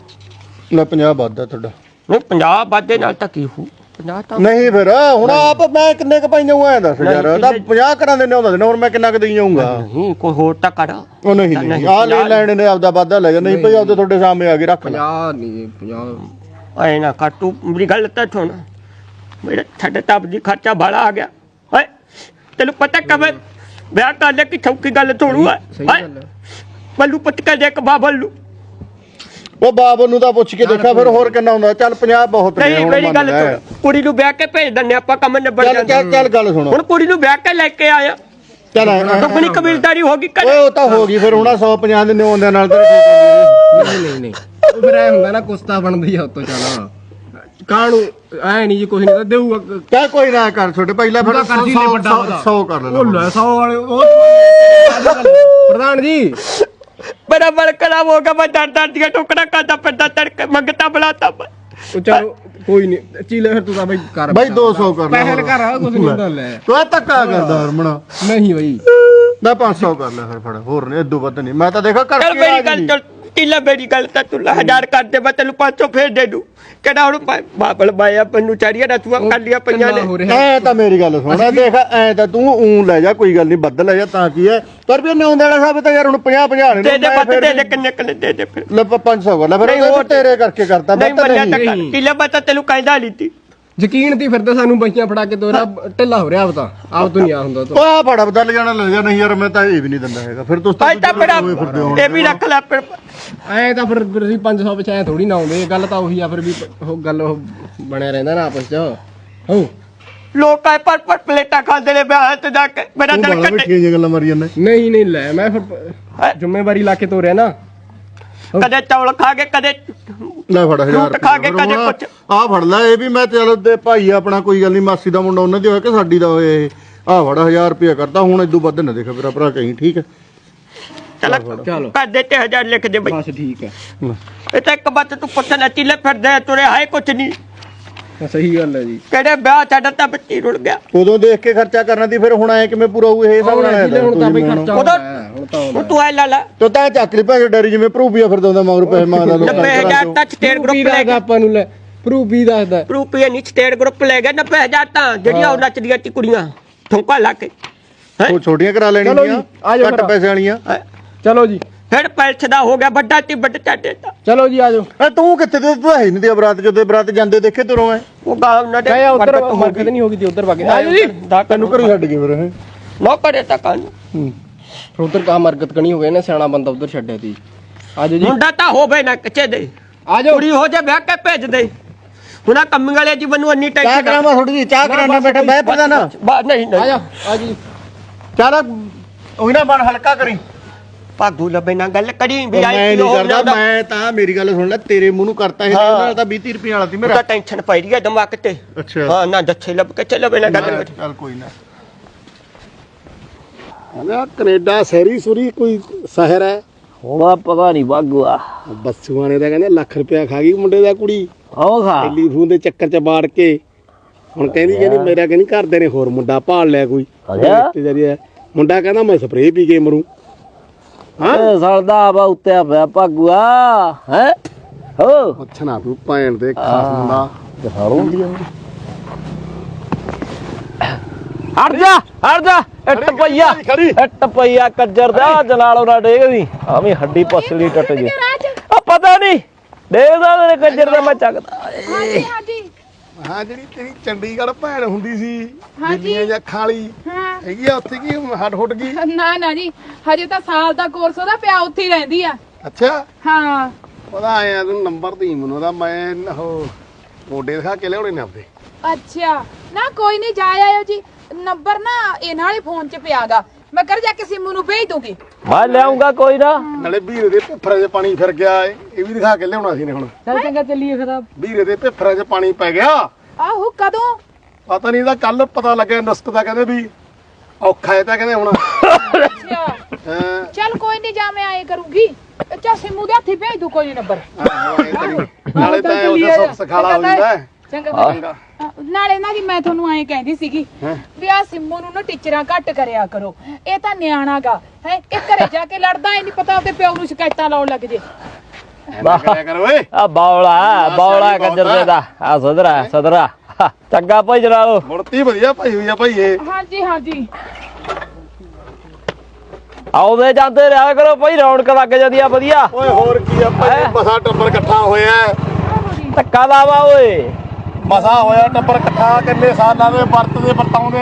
[SPEAKER 2] ਲੈ 50 ਵੱਧਦਾ ਤੁਹਾਡਾ।
[SPEAKER 6] ਨਹੀਂ 50 ਵਾਧੇ ਨਾਲ ਤਾਂ ਕੀ ਹੋ 50 ਤਾਂ
[SPEAKER 2] ਨਹੀਂ ਫਿਰ ਹੁਣ ਆਪ ਮੈਂ ਕਿੰਨੇ ਕ ਪਾਈਆਂ ਹੋਇਆ ਦੱਸ ਯਾਰ। ਤਾਂ 50 ਕਰਾਂ ਦੇ ਨੇ ਉਹਦਾ ਹੁਣ ਮੈਂ ਕਿੰਨਾ ਕ ਦੇਈ ਜਾਊਂਗਾ?
[SPEAKER 6] ਨਹੀਂ ਕੋਈ ਹੋਰ ਤਾਂ ਕਰ।
[SPEAKER 2] ਉਹ ਨਹੀਂ ਨਹੀਂ ਆ ਲੈ ਲੈਣੇ ਨੇ ਆਪਦਾ ਵਾਧਾ ਲੈ ਜਾ। ਨਹੀਂ ਭਈ ਆਪਦੇ ਤੁਹਾਡੇ ਸਾਹਮਣੇ ਆ ਕੇ ਰੱਖ ਲੈ।
[SPEAKER 1] 50 ਨਹੀਂ 50
[SPEAKER 6] ਐ ਨਾ ਕਰ ਤੂੰ ਮੇਰੀ ਗੱਲ ਤਾਂ ਸੁਣ। ਮੇਰਾ ਛੱਡ ਤਬ ਦੀ ਖਰਚਾ ਬਾਲਾ ਆ ਗਿਆ। ਓਏ ਤੈਨੂੰ ਪਤਾ ਕবে ਵਿਆਹ ਕਰ ਲੈ ਕਿ ਛੌਕੀ ਗੱਲ ਥੋੜੂ ਹੈ।
[SPEAKER 1] ਸਹੀ ਗੱਲ ਹੈ।
[SPEAKER 6] ਬੱਲੂ ਪੁੱਤ ਕੇ ਦੇਖ ਬਾਬਲ ਨੂੰ।
[SPEAKER 2] ਉਹ ਬਾਬ ਨੂੰ ਤਾਂ ਪੁੱਛ ਕੇ ਦੇਖਾ ਫਿਰ ਹੋਰ ਕਿੰਨਾ ਹੁੰਦਾ। ਚੱਲ 50 ਬਹੁਤ ਨੇ
[SPEAKER 6] ਨਹੀਂ
[SPEAKER 2] ਹੁਣ
[SPEAKER 6] ਮੇਰੀ ਗੱਲ
[SPEAKER 2] ਮੰਨ ਲੈ।
[SPEAKER 6] ਸੁਣ, ਕੁੜੀ ਨੂੰ ਵਿਆਹ ਕੇ ਭੇਜ ਦਿੰਨੇ ਆਪਾਂ, ਕੰਮ ਨਿਬੜ
[SPEAKER 2] ਚੱਲ
[SPEAKER 6] ਜਾਂਦਾ।
[SPEAKER 2] ਚੱਲ ਗੱਲ ਸੁਣੋ।
[SPEAKER 6] ਹੁਣ ਕੁੜੀ ਨੂੰ ਵਿਆਹ ਕੇ ਲੈ ਕੇ ਆਇਆ
[SPEAKER 2] ਚੱਲ
[SPEAKER 6] ਆਪਣੀ ਕਬੀਲਦਾਰੀ ਹੋ ਗਈ
[SPEAKER 2] ਓਏ
[SPEAKER 6] ਘਰੇ।
[SPEAKER 2] ਉਹ ਤਾਂ ਹੋ ਗਈ ਫਿਰ ਹੁਣ 150 ਦੇ ਨਿਉਂਦਿਆਂ ਨਾਲ ਤੇਰੇ ਠੀਕ
[SPEAKER 1] ਨਹੀਂ ਨਹੀਂ ਨਹੀਂ ਉਹ ਫਿਰ ਐ ਹੁੰਦਾ ਨਾ ਕੁਸਤਾ ਬਣਦੀ ਆ ਉਤੋਂ। ਚੱਲ ਕਾਹਨੂੰ ਐ ਨਹੀਂ ਜੀ ਕੁਝ ਨਹੀਂ ਤਾਂ ਦੇਊਗਾ।
[SPEAKER 2] ਚੱਲ ਕੋਈ ਨਾ ਕਰ ਛੋਟੇ ਪਹਿਲਾਂ ਫਿਰ 100 ਕਰ ਲੈ।
[SPEAKER 1] ਉਹ ਲੈ 100 ਵਾਲੇ ਉਹ ਪ੍ਰਧਾਨ ਜੀ
[SPEAKER 6] ਬੜਾ ਬਲਕਲਾ ਹੋ ਗਿਆ। ਮੈਂ ਡਰ ਦੀਆਂ ਟੋਕਰਾ ਕਰਦਾ ਫਿਰਦਾ ਤੜਕੇ ਮੰਗਤਾ ਬੁਲਾਤਾ।
[SPEAKER 1] ਉਹ ਚਲੋ ਕੋਈ ਨਹੀਂ ਚੀਲੇ ਫਿਰ ਤੂੰ ਤਾਂ ਬਈ ਕਰ
[SPEAKER 2] ਬਾਈ 200 ਕਰ ਲੈ।
[SPEAKER 1] ਪਹਿਲ ਕਰ ਆ ਕੁਝ ਨਹੀਂ ਹੁੰਦਾ ਲੈ।
[SPEAKER 2] ਤੂੰ ਧੱਕਾ ਕਰਦਾ ਹਰਮਣਾ।
[SPEAKER 1] ਨਹੀਂ ਬਈ
[SPEAKER 2] ਮੈਂ 500 ਕਰ ਲੈ ਫਿਰ ਫੜ। ਹੋਰ ਨਹੀਂ ਇਦੋਂ ਵੱਧ ਨਹੀਂ। ਮੈਂ ਤਾਂ ਦੇਖਾ
[SPEAKER 6] ਚੱਲ
[SPEAKER 2] ਕਰਕੇ
[SPEAKER 6] ਮੇਰੀ ਗੱਲ ਚੱਲ ਟੀਲਾ ਮੇਰੀ ਗੱਲ ਤਾਂ ਤੂੰ 1000 ਕਰ ਦੇ। ਮੈਂ ਤੈਨੂੰ 500 ਫੇਰ ਦੇ ਦੂੰ। ਕਿਹੜਾ ਹੁਣ ਬਾਬਲ ਬਾਇਆ ਪੰਨੂ ਚਾੜੀਆਂ ਰਤੂਆਂ ਕਰ ਲਿਆ ਪਈਆਂ ਨੇ।
[SPEAKER 2] ਐ ਤਾਂ ਮੇਰੀ ਗੱਲ ਸੁਣ ਦੇਖ ਐ ਤਾਂ ਤੂੰ ਊਂ ਲੈ ਜਾ ਕੋਈ ਗੱਲ ਨਹੀਂ ਵੱਧ ਲੈ ਜਾ ਤਾਂ ਕੀ ਹੈ। ਪਰ ਵੀ ਨਿਉਂਦੇ ਵਾਲਾ ਸਾਹਿਬ ਤਾਂ ਯਾਰ ਹੁਣ 50 ਨੇ
[SPEAKER 6] ਦੇ ਦੇ ਬੱਤ ਦੇ ਦੇ ਕਿੰਨੇ ਕਿੰਨੇ ਦੇ ਦੇ ਫਿਰ।
[SPEAKER 2] ਲੈ 500 ਕਰ ਲੈ ਫਿਰ
[SPEAKER 6] ਨਹੀਂ,
[SPEAKER 2] ਉਹ
[SPEAKER 6] ਹੋਰ
[SPEAKER 2] ਤੇਰੇ ਕਰਕੇ ਕਰਤਾ
[SPEAKER 6] ਨਹੀਂ
[SPEAKER 2] ਬੱਤ
[SPEAKER 6] ਮੰਨਿਆ
[SPEAKER 2] ਨਹੀਂ।
[SPEAKER 6] ਤਾਂ ਕਰ ਟੀਲਾ ਬੱਤ ਤੈਨੂੰ ਕਹਿੰਦਾ ਲੀਤੀ
[SPEAKER 7] ਯਕੀਨ ਤੀ ਫਿਰਦਾ ਸਾਨੂੰ ਬਈਆਂ ਫੜਾ ਕੇ ਤੋਰਾ ਢਿੱਲਾ ਹੋ ਰਿਹਾ ਆਪ ਤਾਂ ਆਪ ਤੋਂ ਨਹੀਂ ਆ ਹੁੰਦਾ ਤੂੰ
[SPEAKER 2] ਆ ਫੜਾ ਬਦਲ ਜਾਣਾ ਲੈ ਜਾ ਨਹੀਂ ਯਾਰ ਮੈਂ ਤਾਂ ਇਹ ਵੀ ਨਹੀਂ ਦਿੰਦਾ ਹੈਗਾ ਫਿਰ ਤੁਸੀਂ
[SPEAKER 6] ਭਾਈ ਤਾਂ ਫਿਰ ਇਹ ਵੀ ਰੱਖ ਲੈ ਫਿਰ
[SPEAKER 7] ਐ ਤਾਂ ਫਿਰ ਅਸੀਂ 500 ਵਿੱਚ ਐ ਥੋੜੀ ਨਾ ਆਉਂਦੇ ਗੱਲ ਤਾਂ ਉਹੀ ਆ ਫਿਰ ਵੀ ਉਹ ਗੱਲ ਉਹ ਬਣਿਆ ਰਹਿੰਦਾ ਨਾ ਆਪਸ ਚ ਹੋ
[SPEAKER 6] ਲੋਕ ਆਏ ਪਰ ਪਲੇਟਾਂ ਖਾਂਦੇ ਨੇ ਵਿਆਹ ਤੇ ਜਾ ਕੇ ਮੇਰਾ
[SPEAKER 2] ਤੂੰ
[SPEAKER 6] ਦਿਲ
[SPEAKER 2] ਬਾਲਾ
[SPEAKER 6] ਕੱਟੇ
[SPEAKER 2] ਬੈਠੀਆਂ ਜਿਹੀਆਂ ਗੱਲਾਂ ਮਾਰੀ ਜਾਂਦਾ
[SPEAKER 7] ਨਹੀਂ ਨਹੀਂ ਲੈ ਮੈਂ ਫਿਰ ਜ਼ਿੰਮੇਵਾਰੀ ਲਾ ਕੇ ਤੋਰਿਆ ਨਾ
[SPEAKER 6] ਕਦੇ ਚੌਲ ਖਾ ਕੇ ਕਦੇ
[SPEAKER 2] ਲੈ ਫੜ 1000
[SPEAKER 6] ਫਰੂਟ ਖਾ ਕੇ ਕਦੇ ਕੁਛ
[SPEAKER 2] ਆ ਫੜ ਲੈ ਇਹ ਵੀ ਮੈਂ ਚਲ ਤੇ ਭਾਈ ਆਪਣਾ ਕੋਈ ਗੱਲ ਨਹੀਂ ਮਾਸੀ ਦਾ ਮੁੰਡਾ ਉਹਨਾਂ ਦੀ ਹੋਇਆ ਕਿ ਸਾਡੀ ਦਾ ਹੋਇਆ ਇਹ ਆ ਫੜ 1000 ਰੁਪਇਆ ਕਰਦਾ ਹੁਣ ਇਦੋਂ ਵੱਧ ਨਾ ਦੇਖ ਮੇਰਾ ਭਰਾ ਕਹੀਂ ਠੀਕ ਹੈ
[SPEAKER 6] ਚਲੋ ਕਦੇ ਤੇ 1000 ਲਿਖ ਦੇ ਬਈ
[SPEAKER 7] ਬਸ ਠੀਕ ਹੈ
[SPEAKER 6] ਇਹ ਤਾਂ ਇੱਕ ਬੱਤ ਤੂੰ ਪੁੱਛਣਾ ਚਿੱਲੇ ਫਿਰਦੇ ਤੁਰੇ ਹਾਏ ਕੁਛ ਨਹੀਂ
[SPEAKER 7] ਸਹੀ ਗੱਲ ਹੈ ਜੀ
[SPEAKER 6] ਕਿਹੜੇ ਵਿਆਹ ਛੱਡ ਤਾਂ ਬੱਚੀ ਰੁੜ ਗਿਆ
[SPEAKER 2] ਉਦੋਂ ਦੇਖ ਕੇ ਖਰਚਾ ਕਰਨਾ ਦੀ ਫਿਰ ਹੁਣ ਐ ਕਿਵੇਂ ਪੂਰਾ ਹੋਊ ਇਹ ਸਭ ਨਾਲ
[SPEAKER 7] ਹੁਣ ਤਾਂ ਬਈ ਖਰਚਾ
[SPEAKER 6] ਉਹਦਾ
[SPEAKER 7] ਹੁਣ ਤਾਂ
[SPEAKER 6] ਹੁਣ ਤੂੰ ਐ ਲਾ ਲਾ
[SPEAKER 2] ਤੋ ਤਾਂ ਚੱਕ ਲਈ ਭਾਈ ਡੈਰੀ ਜਿਵੇਂ ਭਰੂਪੀਆ ਫਿਰਦਾ ਹੁੰਦਾ ਮਗਰ ਪੈਸੇ ਮੰਗਦਾ ਲੋਕਾਂ
[SPEAKER 6] 90000 ਤਾਂ ਸਟੇਟ ਗਰੁੱਪ ਲੈ ਗਿਆ
[SPEAKER 7] ਆਪਾਂ ਨੂੰ ਲੈ ਪ੍ਰੂਫ ਵੀ ਦੱਸਦਾ
[SPEAKER 6] ਰੁਪਏ ਨਹੀਂ ਸਟੇਟ ਗਰੁੱਪ ਲੈ ਗਿਆ 90000 ਤਾਂ ਜਿਹੜੀਆਂ ਉਹ ਨੱਚਦੀਆਂ ਤੀ ਕੁੜੀਆਂ ਠੋਕਾ ਲਾ ਕੇ
[SPEAKER 2] ਉਹ ਛੋਟੀਆਂ ਕਰਾ ਲੈਣੀਆਂ ਘੱਟ ਪੈਸੇ ਵਾਲੀਆਂ
[SPEAKER 7] ਚਲੋ ਜੀ
[SPEAKER 6] ਫਿਰ ਪੈਲਸ ਦਾ ਹੋ ਗਿਆ ਵੱਡਾ ਤੀ ਵੱਡਾ ਚਾਟੇ ਦਾ
[SPEAKER 7] ਚਲੋ ਜੀ ਆਜੋ
[SPEAKER 2] ਐ ਤੂੰ ਕਿੱਥੇ ਤੇ ਤੂੰ ਹੈ ਨਹੀਂ ਤੇ ਬਰਾਤ ਜਦੋਂ ਬਰਾਤ ਜਾਂਦੇ ਦੇਖੇ ਤੁਰੋਂ ਐ
[SPEAKER 6] ਉਹ ਗਾਉਂ ਨਾ ਦੇ
[SPEAKER 7] ਮੈਂ ਉਧਰ ਮਰਕਤ ਨਹੀਂ ਹੋ ਗਈ ਤੇ ਉਧਰ ਵਗੇ ਆਜੋ ਜੀ
[SPEAKER 2] ਤੈਨੂੰ ਘਰੋਂ ਛੱਡ ਗਏ ਫਿਰ ਇਹ
[SPEAKER 6] ਨੋ ਕਰੇ ਤਾਂ ਕੰਨ
[SPEAKER 7] ਫਿਰ ਉਧਰ ਕਾ ਮਰਕਤ ਕਣੀ ਹੋ ਗਏ ਨਾ ਸਿਆਣਾ ਬੰਦਾ ਉਧਰ ਛੱਡਿਆ ਤੀ ਆਜੋ ਜੀ
[SPEAKER 6] ਮੁੰਡਾ ਤਾਂ ਹੋਵੇ ਨਾ ਕੱਚੇ ਦੇ
[SPEAKER 7] ਆਜੋ
[SPEAKER 6] ਕੁੜੀ ਹੋ ਜਾ ਵਿਆਹ ਕੇ ਭੇਜ ਦੇ ਹੁਣ ਕੰਮ ਵਾਲੇ ਜੀਵਨ ਨੂੰ ਇੰਨੀ
[SPEAKER 2] ਚਾਹ
[SPEAKER 6] ਟੈਨਸ਼ਨ
[SPEAKER 2] ਕਰਾਵਾਂ ਥੋੜੀ ਜੀ ਚਾਹ ਕਰਾਣਾ ਬੈਠਾ ਮੈਂ ਪਤਾ ਨਾ
[SPEAKER 6] ਨਹੀਂ ਨਹੀਂ
[SPEAKER 7] ਆਜਾ ਆਜੀ
[SPEAKER 2] ਚੱਲ ਉਹੀ ਨਾ ਬਣ ਹਲਕਾ ਕਰੀ
[SPEAKER 6] ਭਾਗੂ ਲੱਭੇ ਨਾ ਗੱਲ ਕਰੀ ਵੀ
[SPEAKER 2] ਮੈਂ
[SPEAKER 6] ਆਈ
[SPEAKER 2] ਨਹੀਂ ਕਰਦਾ ਮੈਂ ਤਾਂ ਮੇਰੀ ਗੱਲ ਸੁਣ ਲੈ ਤੇਰੇ ਮੂੰਹ ਨੂੰ ਕਰਤਾ ਇਹ ਨਾਲ ਤਾਂ 20 ਰੁਪਏ ਵਾਲਾ ਸੀ ਮੇਰਾ
[SPEAKER 6] ਤਾਂ ਟੈਨਸ਼ਨ ਪਈ ਰਹੀ ਹੈ ਦਿਮਾਗ ਤੇ
[SPEAKER 2] ਅੱਛਾ
[SPEAKER 6] ਹਾਂ ਨਾ ਦੱਸੇ ਲੱਭ ਕੇ ਚੱਲ ਬੇ ਨਾ ਗੱਲ
[SPEAKER 2] ਚੱਲ ਕੋਈ ਨਾ ਹਲਾ ਕੈਨੇਡਾ ਸਹਿਰੀ ਸੁਰੀ ਕੋਈ ਸ਼ਹਿਰ ਹੈ
[SPEAKER 5] ਹੋਣਾ ਪਤਾ ਨਹੀਂ ਬਾਗੂਆ
[SPEAKER 2] ਬੱਸੂਆਂ ਨੇ ਤਾਂ ਕਹਿੰਦੇ ਲੱਖ ਰੁਪਇਆ ਖਾ ਗਈ ਮੁੰਡੇ ਦਾ ਕੁੜੀ
[SPEAKER 5] ਆਓ ਖਾ
[SPEAKER 2] ਟੈਲੀਫੋਨ ਦੇ ਚੱਕਰ ਚ ਬਾੜ ਕੇ ਹੁਣ ਕਹਿੰਦੀ ਮੇਰਾ ਕਹਿੰਦੀ ਘਰਦੇ ਨੇ ਹੋਰ ਮੁੰਡਾ ਭਾਲ ਲਿਆ ਕੋਈ ਰਿਸ਼ਤੇਦਾਰੀ ਹੈ ਮੁੰਡਾ ਕਹਿੰਦਾ ਮੈਂ ਸਪਰੇਅ ਪੀ ਕੇ ਮਰੂ
[SPEAKER 5] ਹਾਂ ਸਲਦਾ ਆ ਉੱਤੇ ਪਿਆ ਭਾਗੂਆ ਹੈ ਹੋ
[SPEAKER 2] ਪੁੱਛਣਾ ਤੂੰ ਭੈਣ ਦੇ ਖਾਸ ਦਾ
[SPEAKER 5] ਦਿਖਾਉਂ ਦੀ ਹਟ ਜਾ ਇੱਟ ਪਈਆ ਕੱਜਰ ਦਾ ਜਲਾਲੋ ਨਾ ਡੇਗਦੀ ਆਵੇਂ ਹੱਡੀ ਪਸਲੀ ਟੱਟ ਜੀ ਆ ਪਤਾ ਨਹੀਂ ਦੇਖਦਾ ਤੇਰੇ ਕੱਜਰ ਦਾ ਮੈਂ ਚੱਕਦਾ
[SPEAKER 2] ਹਾਂ ਜਿਹੜੀ ਤੇਰੀ ਚੰਡੀਗੜ੍ਹ ਭੈਣ ਹੁੰਦੀ ਸੀ ਦਿੱਲੀਆਂ ਜਾਂ ਖਾਲੀ ਹੈਗੀ ਆ ਉੱਥੇ ਕੀ ਹੱਡ ਹੁੱਟ ਗਈ
[SPEAKER 3] ਨਾ ਜੀ ਹਜੇ ਤਾਂ ਸਾਲ ਦਾ ਕੋਰਸ ਉਹਦਾ ਪਿਆ ਉੱਥੇ ਹੀ ਰਹਿੰਦੀ ਆ
[SPEAKER 2] ਅੱਛਾ
[SPEAKER 3] ਹਾਂ
[SPEAKER 2] ਉਹਦਾ ਆਇਆ ਤੂੰ ਨੰਬਰ ਦੀ ਮੈਨੂੰ ਉਹਦਾ ਮੈਂ ਉਹ ਮੋਢੇ ਦਿਖਾ ਕੇ ਲਿਆਉਣੇ ਨੇ ਆਪਦੇ
[SPEAKER 3] ਅੱਛਾ ਨਾ ਕੋਈ ਨਹੀਂ ਜਾ ਆਇਓ ਜੀ ਨੰਬਰ ਨਾ ਇਹਨਾਂ ਵਾਲੇ ਫੋਨ 'ਚ ਪਿਆਗਾ ਮੈਂ ਕਰ ਜਾ ਕੇ ਸਿੰਮੂ ਨੂੰ ਭੇਜ ਦੂੰਗੀ
[SPEAKER 5] ਮੈਂ ਲਿਆਉਂਗਾ ਕੋਈ ਨਾ
[SPEAKER 2] ਨਾਲੇ ਵੀਰੇ ਦੇ ਪਿੱਫਰਾਂ 'ਚ ਪਾਣੀ ਫਿਰ ਗਿਆ ਇਹ ਵੀ ਦਿਖਾ ਕੇ ਲਿਆਉਣਾ ਸੀ ਨੇ ਹੁਣ
[SPEAKER 1] ਚੱਲ ਚੰਗਾ ਚੱਲੀਏ ਫਿਰ ਆਪ
[SPEAKER 2] ਵੀਰੇ ਦੇ ਪਿੱਫਰਾਂ 'ਚ ਪਾਣੀ ਪੈ ਗਿਆ
[SPEAKER 3] ਆਹੋ ਕਦੋਂ
[SPEAKER 2] ਪਤਾ ਨਹੀਂ ਇਹਦਾ ਕੱਲ ਪਤਾ ਲੱਗਿਆ ਨਸਕ ਦਾ ਕਹਿੰਦੇ ਵੀ ਔਖਾ ਹੈ ਤਾਂ ਕਹਿੰਦੇ ਹੁਣ
[SPEAKER 3] ਅੱਛਾ ਚੱਲ ਕੋਈ ਨਹੀਂ ਜਾ ਮੈਂ ਆਏ ਕਰੂੰਗੀ ਚਾ ਸਿੰਮੂ ਦੇ ਹੱਥੀ ਭੇਜ ਦੂ ਕੋਈ ਨੰਬਰ
[SPEAKER 2] ਨਾਲੇ ਤਾਂ ਉਹਦਾ ਸੁੱਖ ਸਖਾਲਾ ਹੋ ਜਾਂਦਾ
[SPEAKER 3] ਚੰਗਾ ਨਾਲੇ ਨਾ ਜੀ ਮੈਂ ਤੁਹਾਨੂੰ ਐਂ ਕਹਿੰਦੀ ਸੀਗੀ ਵੀ ਆ ਸਿੰਮੂ ਨੂੰ ਨਾ ਟੀਚਰਾਂ ਘੱਟ ਕਰਿਆ ਕਰੋ ਇਹ ਤਾਂ ਨਿਆਣਾਗਾ ਹੈ ਇਹ ਘਰੇ ਜਾ ਕੇ ਲੜਦਾ ਹੀ ਨਹੀਂ ਪਤਾ ਉਹਦੇ ਪਿਓ ਨੂੰ ਸ਼ਿਕਾਇਤਾਂ ਲਾਉਣ ਲੱਗ ਜੇ
[SPEAKER 2] ਕਰਿਆ ਕਰ ਓਏ
[SPEAKER 5] ਆ ਬੌਲਾ ਕੱਜਰ ਦੇ ਦਾ ਆ ਸਦਰਾ ਚੰਗਾ ਭਾਈ ਜਲਾਲੋ
[SPEAKER 2] ਮੁਰਤੀ ਵਧੀਆ ਭਾਈ ਹੋਈ ਆ ਭਾਈ ਇਹ
[SPEAKER 3] ਹਾਂਜੀ
[SPEAKER 5] ਆਉਂਦੇ ਜਾਂਦੇ ਰਿਹਾ ਕਰੋ ਭਾਈ ਰੌਣਕ ਲੱਗ ਜਾਂਦੀ ਆ ਵਧੀਆ
[SPEAKER 2] ਓਏ ਹੋਰ ਕੀ ਆ ਭਾਈ ਮਸਾ ਟੱਬਰ ਇਕੱਠਾ ਹੋਇਆ
[SPEAKER 5] ਧੱਕਾ ਲਾਵਾ ਓਏ
[SPEAKER 2] ਮਸਾ ਹੋਇਆ ਟੱਬਰ ਇਕੱਠਾ ਕਿੰਨੇ ਸਾਲਾਂ ਦੇ ਵਰਤਦੇ ਵਰਤਾਉਂਦੇ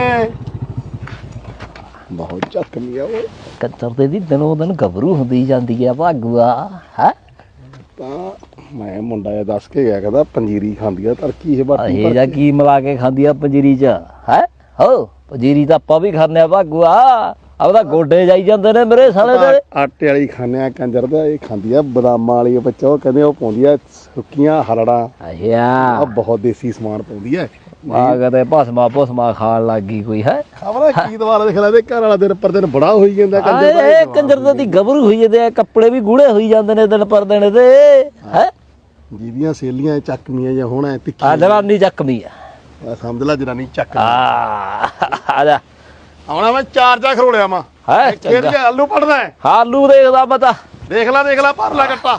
[SPEAKER 2] ਬਹੁਤ ਜ਼ਖਮੀ ਆ ਓਏ
[SPEAKER 5] ਕੱਚਰ ਦੇ ਦੀ ਦਿਨੋਂ ਦਿਨ ਗੱਭਰੂ ਹੁੰਦੀ ਜਾਂਦੀ ਆ ਭਾਗੂਆ ਹੈ
[SPEAKER 2] ਤਾਂ ਮੈਂ ਮੁੰਡਾ ਇਹ ਦੱਸ ਕੇ ਗਿਆ ਕਹਿੰਦਾ ਪੰਜੀਰੀ ਖਾਂਦੀ ਆ ਤਰਕੀ ਇਹ ਵਰਤੀ
[SPEAKER 5] ਇਹ ਜਾਂ ਕੀ ਮਿਲਾ ਕੇ ਖਾਂਦੀ ਆ ਪੰਜੀਰੀ ਚ ਹੈ ਹੋ ਪੰਜੀਰੀ ਤਾਂ ਆਪਾਂ ਵੀ ਖਾਂਦੇ ਆ ਭਾਗੂਆ ਆਪਦਾ ਗੋਡੇ ਜਾਈ ਜਾਂਦੇ ਨੇ ਮੇਰੇ ਸਾਲੇ ਦੇ
[SPEAKER 2] ਆਟੇ ਵਾਲੀ ਖਾਂਦੇ ਆ ਕੰਜਰ ਦਾ ਇਹ ਖਾਂਦੀ ਆ ਬਦਾਮਾਂ ਵਾਲੀ ਬੱਚਾ ਉਹ ਕਹਿੰਦੇ ਉਹ ਪਾਉਂਦੀ ਆ ਸੁੱਕੀਆਂ ਹਰੜਾਂ
[SPEAKER 5] ਅੱਛਾ
[SPEAKER 2] ਆ ਬਹੁਤ ਦੇਸੀ ਸਮਾਨ ਪਾਉਂਦੀ ਆ
[SPEAKER 5] ਆ ਕਦੇ ਭਸਮਾ ਖਾਣ ਲੱਗ ਗਈ ਕੋਈ ਹੈ
[SPEAKER 2] ਖਬਰ ਕੀ ਦਵਾਲਾ ਦੇਖ ਲੈ ਦੇ ਘਰ ਵਾਲਾ ਦਿਨ ਪਰ ਦਿਨ ਬੜਾ ਹੋਈ ਜਾਂਦਾ ਕੰਜਰ ਦਾ
[SPEAKER 5] ਇਹ ਕੰਜਰ ਦੀ ਗੱਭਰੂ ਹੋਈ ਜਾਂਦੇ ਆ ਕੱਪੜੇ ਵੀ ਗੂੜੇ ਹੋਈ ਜਾਂਦੇ ਨੇ ਦਿਨ ਪਰ ਦਿਨ ਤੇ ਹੈ
[SPEAKER 2] ਜਿਹਦੀਆਂ ਸੇਲੀਆਂ ਚੱਕਮੀਆਂ ਜਾਂ ਹੋਣਾ ਤਿੱਖੀ
[SPEAKER 5] ਆ ਜਰਾਨੀ ਚੱਕਮੀ ਆ
[SPEAKER 2] ਸਮਝ ਲੈ ਜਰਾਨੀ ਚੱਕ
[SPEAKER 5] ਆ ਜਾ
[SPEAKER 2] ਆਉਣਾ ਮੈਂ ਚਾਰ ਜਾ ਖਰੋੜਿਆ ਮਾ
[SPEAKER 5] ਹੈ
[SPEAKER 2] ਖੇਡ ਕੇ ਆਲੂ ਪੜਦਾ
[SPEAKER 5] ਆਲੂ ਦੇਖਦਾ ਪਤਾ
[SPEAKER 2] ਦੇਖ ਲੈ ਭਰ ਲੈ ਗੱਟਾ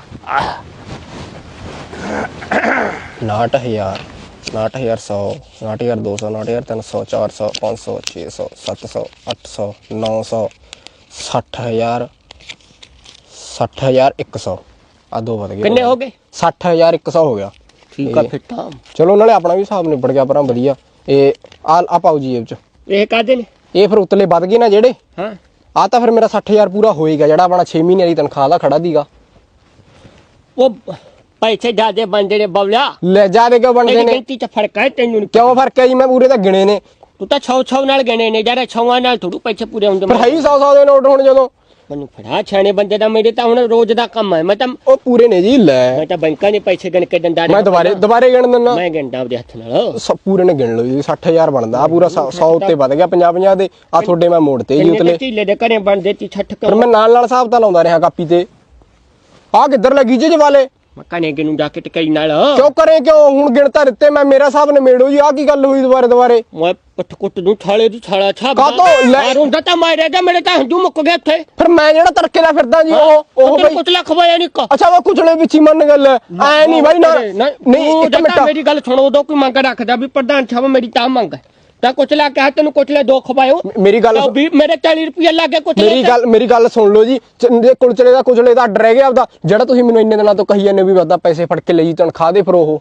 [SPEAKER 7] 69100 69100 69200 69300 400 500 600 700 800 900 60000 60100 ਆ ਦੋ ਵਧ ਗਏ
[SPEAKER 6] ਕਿੰਨੇ ਹੋ ਗਏ
[SPEAKER 7] 60100 ਹੋ ਗਿਆ
[SPEAKER 6] ਠੀਕ ਆ ਫਿਰ ਤਾਂ
[SPEAKER 7] ਚਲੋ ਨਾਲੇ ਆਪਣਾ ਵੀ ਹਿਸਾਬ ਨਿਬੜ ਗਿਆ ਪਰਾਂ ਵਧੀਆ। ਇਹ ਆ ਪਾਓ ਜੀ ਜੇਬ ਚ।
[SPEAKER 6] ਇਹ ਕਾਦੇ ਨੇ?
[SPEAKER 7] ਇਹ ਫਿਰ ਉਤਲੇ ਵੱਧ ਗਏ ਨਾ ਜਿਹੜੇ।
[SPEAKER 6] ਹਾਂ
[SPEAKER 7] ਆ ਤਾਂ ਫਿਰ ਮੇਰਾ 60,000 ਪੂਰਾ ਹੋਏਗਾ ਜਿਹੜਾ ਆਪਣਾ 6 ਮਹੀਨਿਆਂ ਦੀ ਤਨਖਾਹ ਦਾ ਖੜਾ ਦੀਗਾ।
[SPEAKER 6] ਉਹ ਪੈਸੇ ਜ਼ਿਆਦੇ ਬਣਦੇ ਨੇ ਬਵਲਿਆ।
[SPEAKER 7] ਲੈ ਜਾ ਦੇ ਕਿਉਂ ਬਣਦੇ ਨੇ?
[SPEAKER 6] ਗਿਣਤੀ ਚ ਫਰਕ ਹੈ ਤੈਨੂੰ ਨੀ
[SPEAKER 7] ਕਿਉਂ ਫਰਕ ਹੈ ਜੀ? ਮੈਂ ਪੂਰੇ ਤਾਂ ਗਿਣੇ ਨੇ।
[SPEAKER 6] ਤੂੰ ਤਾਂ 6 ਨਾਲ ਗਣੇ ਨੇ ਯਾਰ, 6 ਨਾਲ ਥੋੜੂ ਪੈਸੇ ਪੂਰੇ ਹੁੰਦੇ।
[SPEAKER 7] ਪਰ ਹੈ ਹੀ 100 ਦੇ ਨੋਟ ਹੁਣ ਜਦੋਂ।
[SPEAKER 6] ਮੈਨੂੰ ਫੜਾ ਛਾਣੇ ਬੰਦੇ ਦਾ, ਮੇਰੇ ਤਾਂ ਹੁਣ ਰੋਜ਼ ਦਾ ਕੰਮ ਹੈ। ਮੈਂ ਤਾਂ
[SPEAKER 7] ਉਹ ਪੂਰੇ ਨੇ ਜੀ। ਲੈ
[SPEAKER 6] ਮੈਂ ਤਾਂ ਬੈਂਕਾਂ ਦੇ ਪੈਸੇ ਗਿਣ ਕੇ ਦਿੰਦਾ
[SPEAKER 7] ਮੈਂ ਦੁਬਾਰੇ ਗਿਣ ਦਿੰਦਾ।
[SPEAKER 6] ਮੈਂ ਗਿਣਦਾ ਉਹਦੇ ਹੱਥ ਨਾਲ।
[SPEAKER 7] ਸਭ ਪੂਰੇ ਨੇ ਗਿਣ ਲਓ ਜੀ। 60,000 ਬਣਦਾ ਆ ਪੂਰਾ। 100 ਉੱਤੇ ਵੱਧ ਗਿਆ 50 ਦੇ। ਆ ਤੁਹਾਡੇ ਮੈਂ ਮੋੜਤੇ ਜੀ ਉਤਲੇ।
[SPEAKER 6] ਢੀਲੇ ਦੇ ਘਰੇ ਬਣਦੇ ਤੀ 60
[SPEAKER 7] ਫਿਰ ਮੈਂ ਨਾਲ ਹਿਸਾਬ ਤਾਂ ਲਾਉਂਦਾ ਰਿਹਾ ਕਾਪੀ ਤੇ। ਆ ਕਿੱਧਰ ਲੱਗੀ ਜੇ ਵਾਲੇ?
[SPEAKER 6] ਮੈਂ ਕਨੇ ਨੂੰ ਜਾ ਕੇ ਟਕਾਈ ਨਾਲ
[SPEAKER 7] ਕਿਉਂ ਕਰੇ ਕਿਉਂ? ਹੁਣ ਗਿਣਤਾ ਦਿੱਤੇ ਮੈਂ, ਮੇਰਾ ਹਿਸਾਬ ਨਿਮੇੜੋ ਜੀ। ਆ ਕੀ ਗੱਲ ਹੋਈ ਦੁਬਾਰੇ?
[SPEAKER 6] ਮੈਂ ਪੱਠ ਕੁੱਟ ਦੂੰ ਥਾਲੇ ਦੀ ਥਾਲਾ ਛਾਪ
[SPEAKER 7] ਕਾਹਤੋਂ? ਲੈ
[SPEAKER 6] ਹੁੰਦਾ ਤਾਂ ਮਾਰੇਗਾ, ਮੇਰੇ ਤਾਂ ਹੰਝੂ ਮੁੱਕ ਗਏ ਉੱਥੇ।
[SPEAKER 7] ਫਿਰ ਮੈਂ ਜਿਹੜਾ ਤੜਕੇ ਦਾ ਫਿਰਦਾ ਜੀ ਉਹ ਬਈ
[SPEAKER 6] ਕੁਛ ਲੱਖ ਹੋਇਆ ਨਹੀਂ ਕਾ।
[SPEAKER 7] ਅੱਛਾ ਉਹ ਕੁਚਲੇ ਵਿੱਚ ਹੀ ਮੰਨ ਗੱਲ ਐ ਨਹੀਂ ਬਾਈ ਨਾ ਨਹੀਂ ਇੱਕ ਮਿੰਟ
[SPEAKER 6] ਮੇਰੀ ਗੱਲ ਸੁਣੋ। ਉਦੋਂ ਕੋਈ ਮੰਗ ਰੱਖਦਾ ਵੀ ਪ੍ਰਧਾਨ ਸਾਹਿਬ ਮੇਰੀ ਤਾਂ ਮੰਗ ਹੈ ਤਾਂ ਕੁਛ ਲਾ ਕੇ ਤੈਨੂੰ ਕੁਚਲੇ ਦੋ ਖਵਾਇਓ।
[SPEAKER 7] ਮੇਰੀ ਗੱਲ
[SPEAKER 6] ਵੀ ਮੇਰੇ 40 ਰੁਪਏ ਲੱਗੇ ਕੁਛ।
[SPEAKER 7] ਮੇਰੀ ਗੱਲ ਸੁਣ ਲਓ ਜੀ। ਕੁਚਲੇ ਦਾ ਅੱਡ ਰਹਿ ਗਿਆ ਆਪਦਾ, ਜਿਹੜਾ ਤੁਸੀਂ ਮੈਨੂੰ ਇੰਨੇ ਦਿਨਾਂ ਤੋਂ ਕਹੀ ਜਾਂਦੇ ਵੀ ਵਾਦਾ ਪੈਸੇ ਫੜ ਕੇ ਲਈ ਤਨਖਾਹ ਦੇ। ਫਿਰ ਉਹ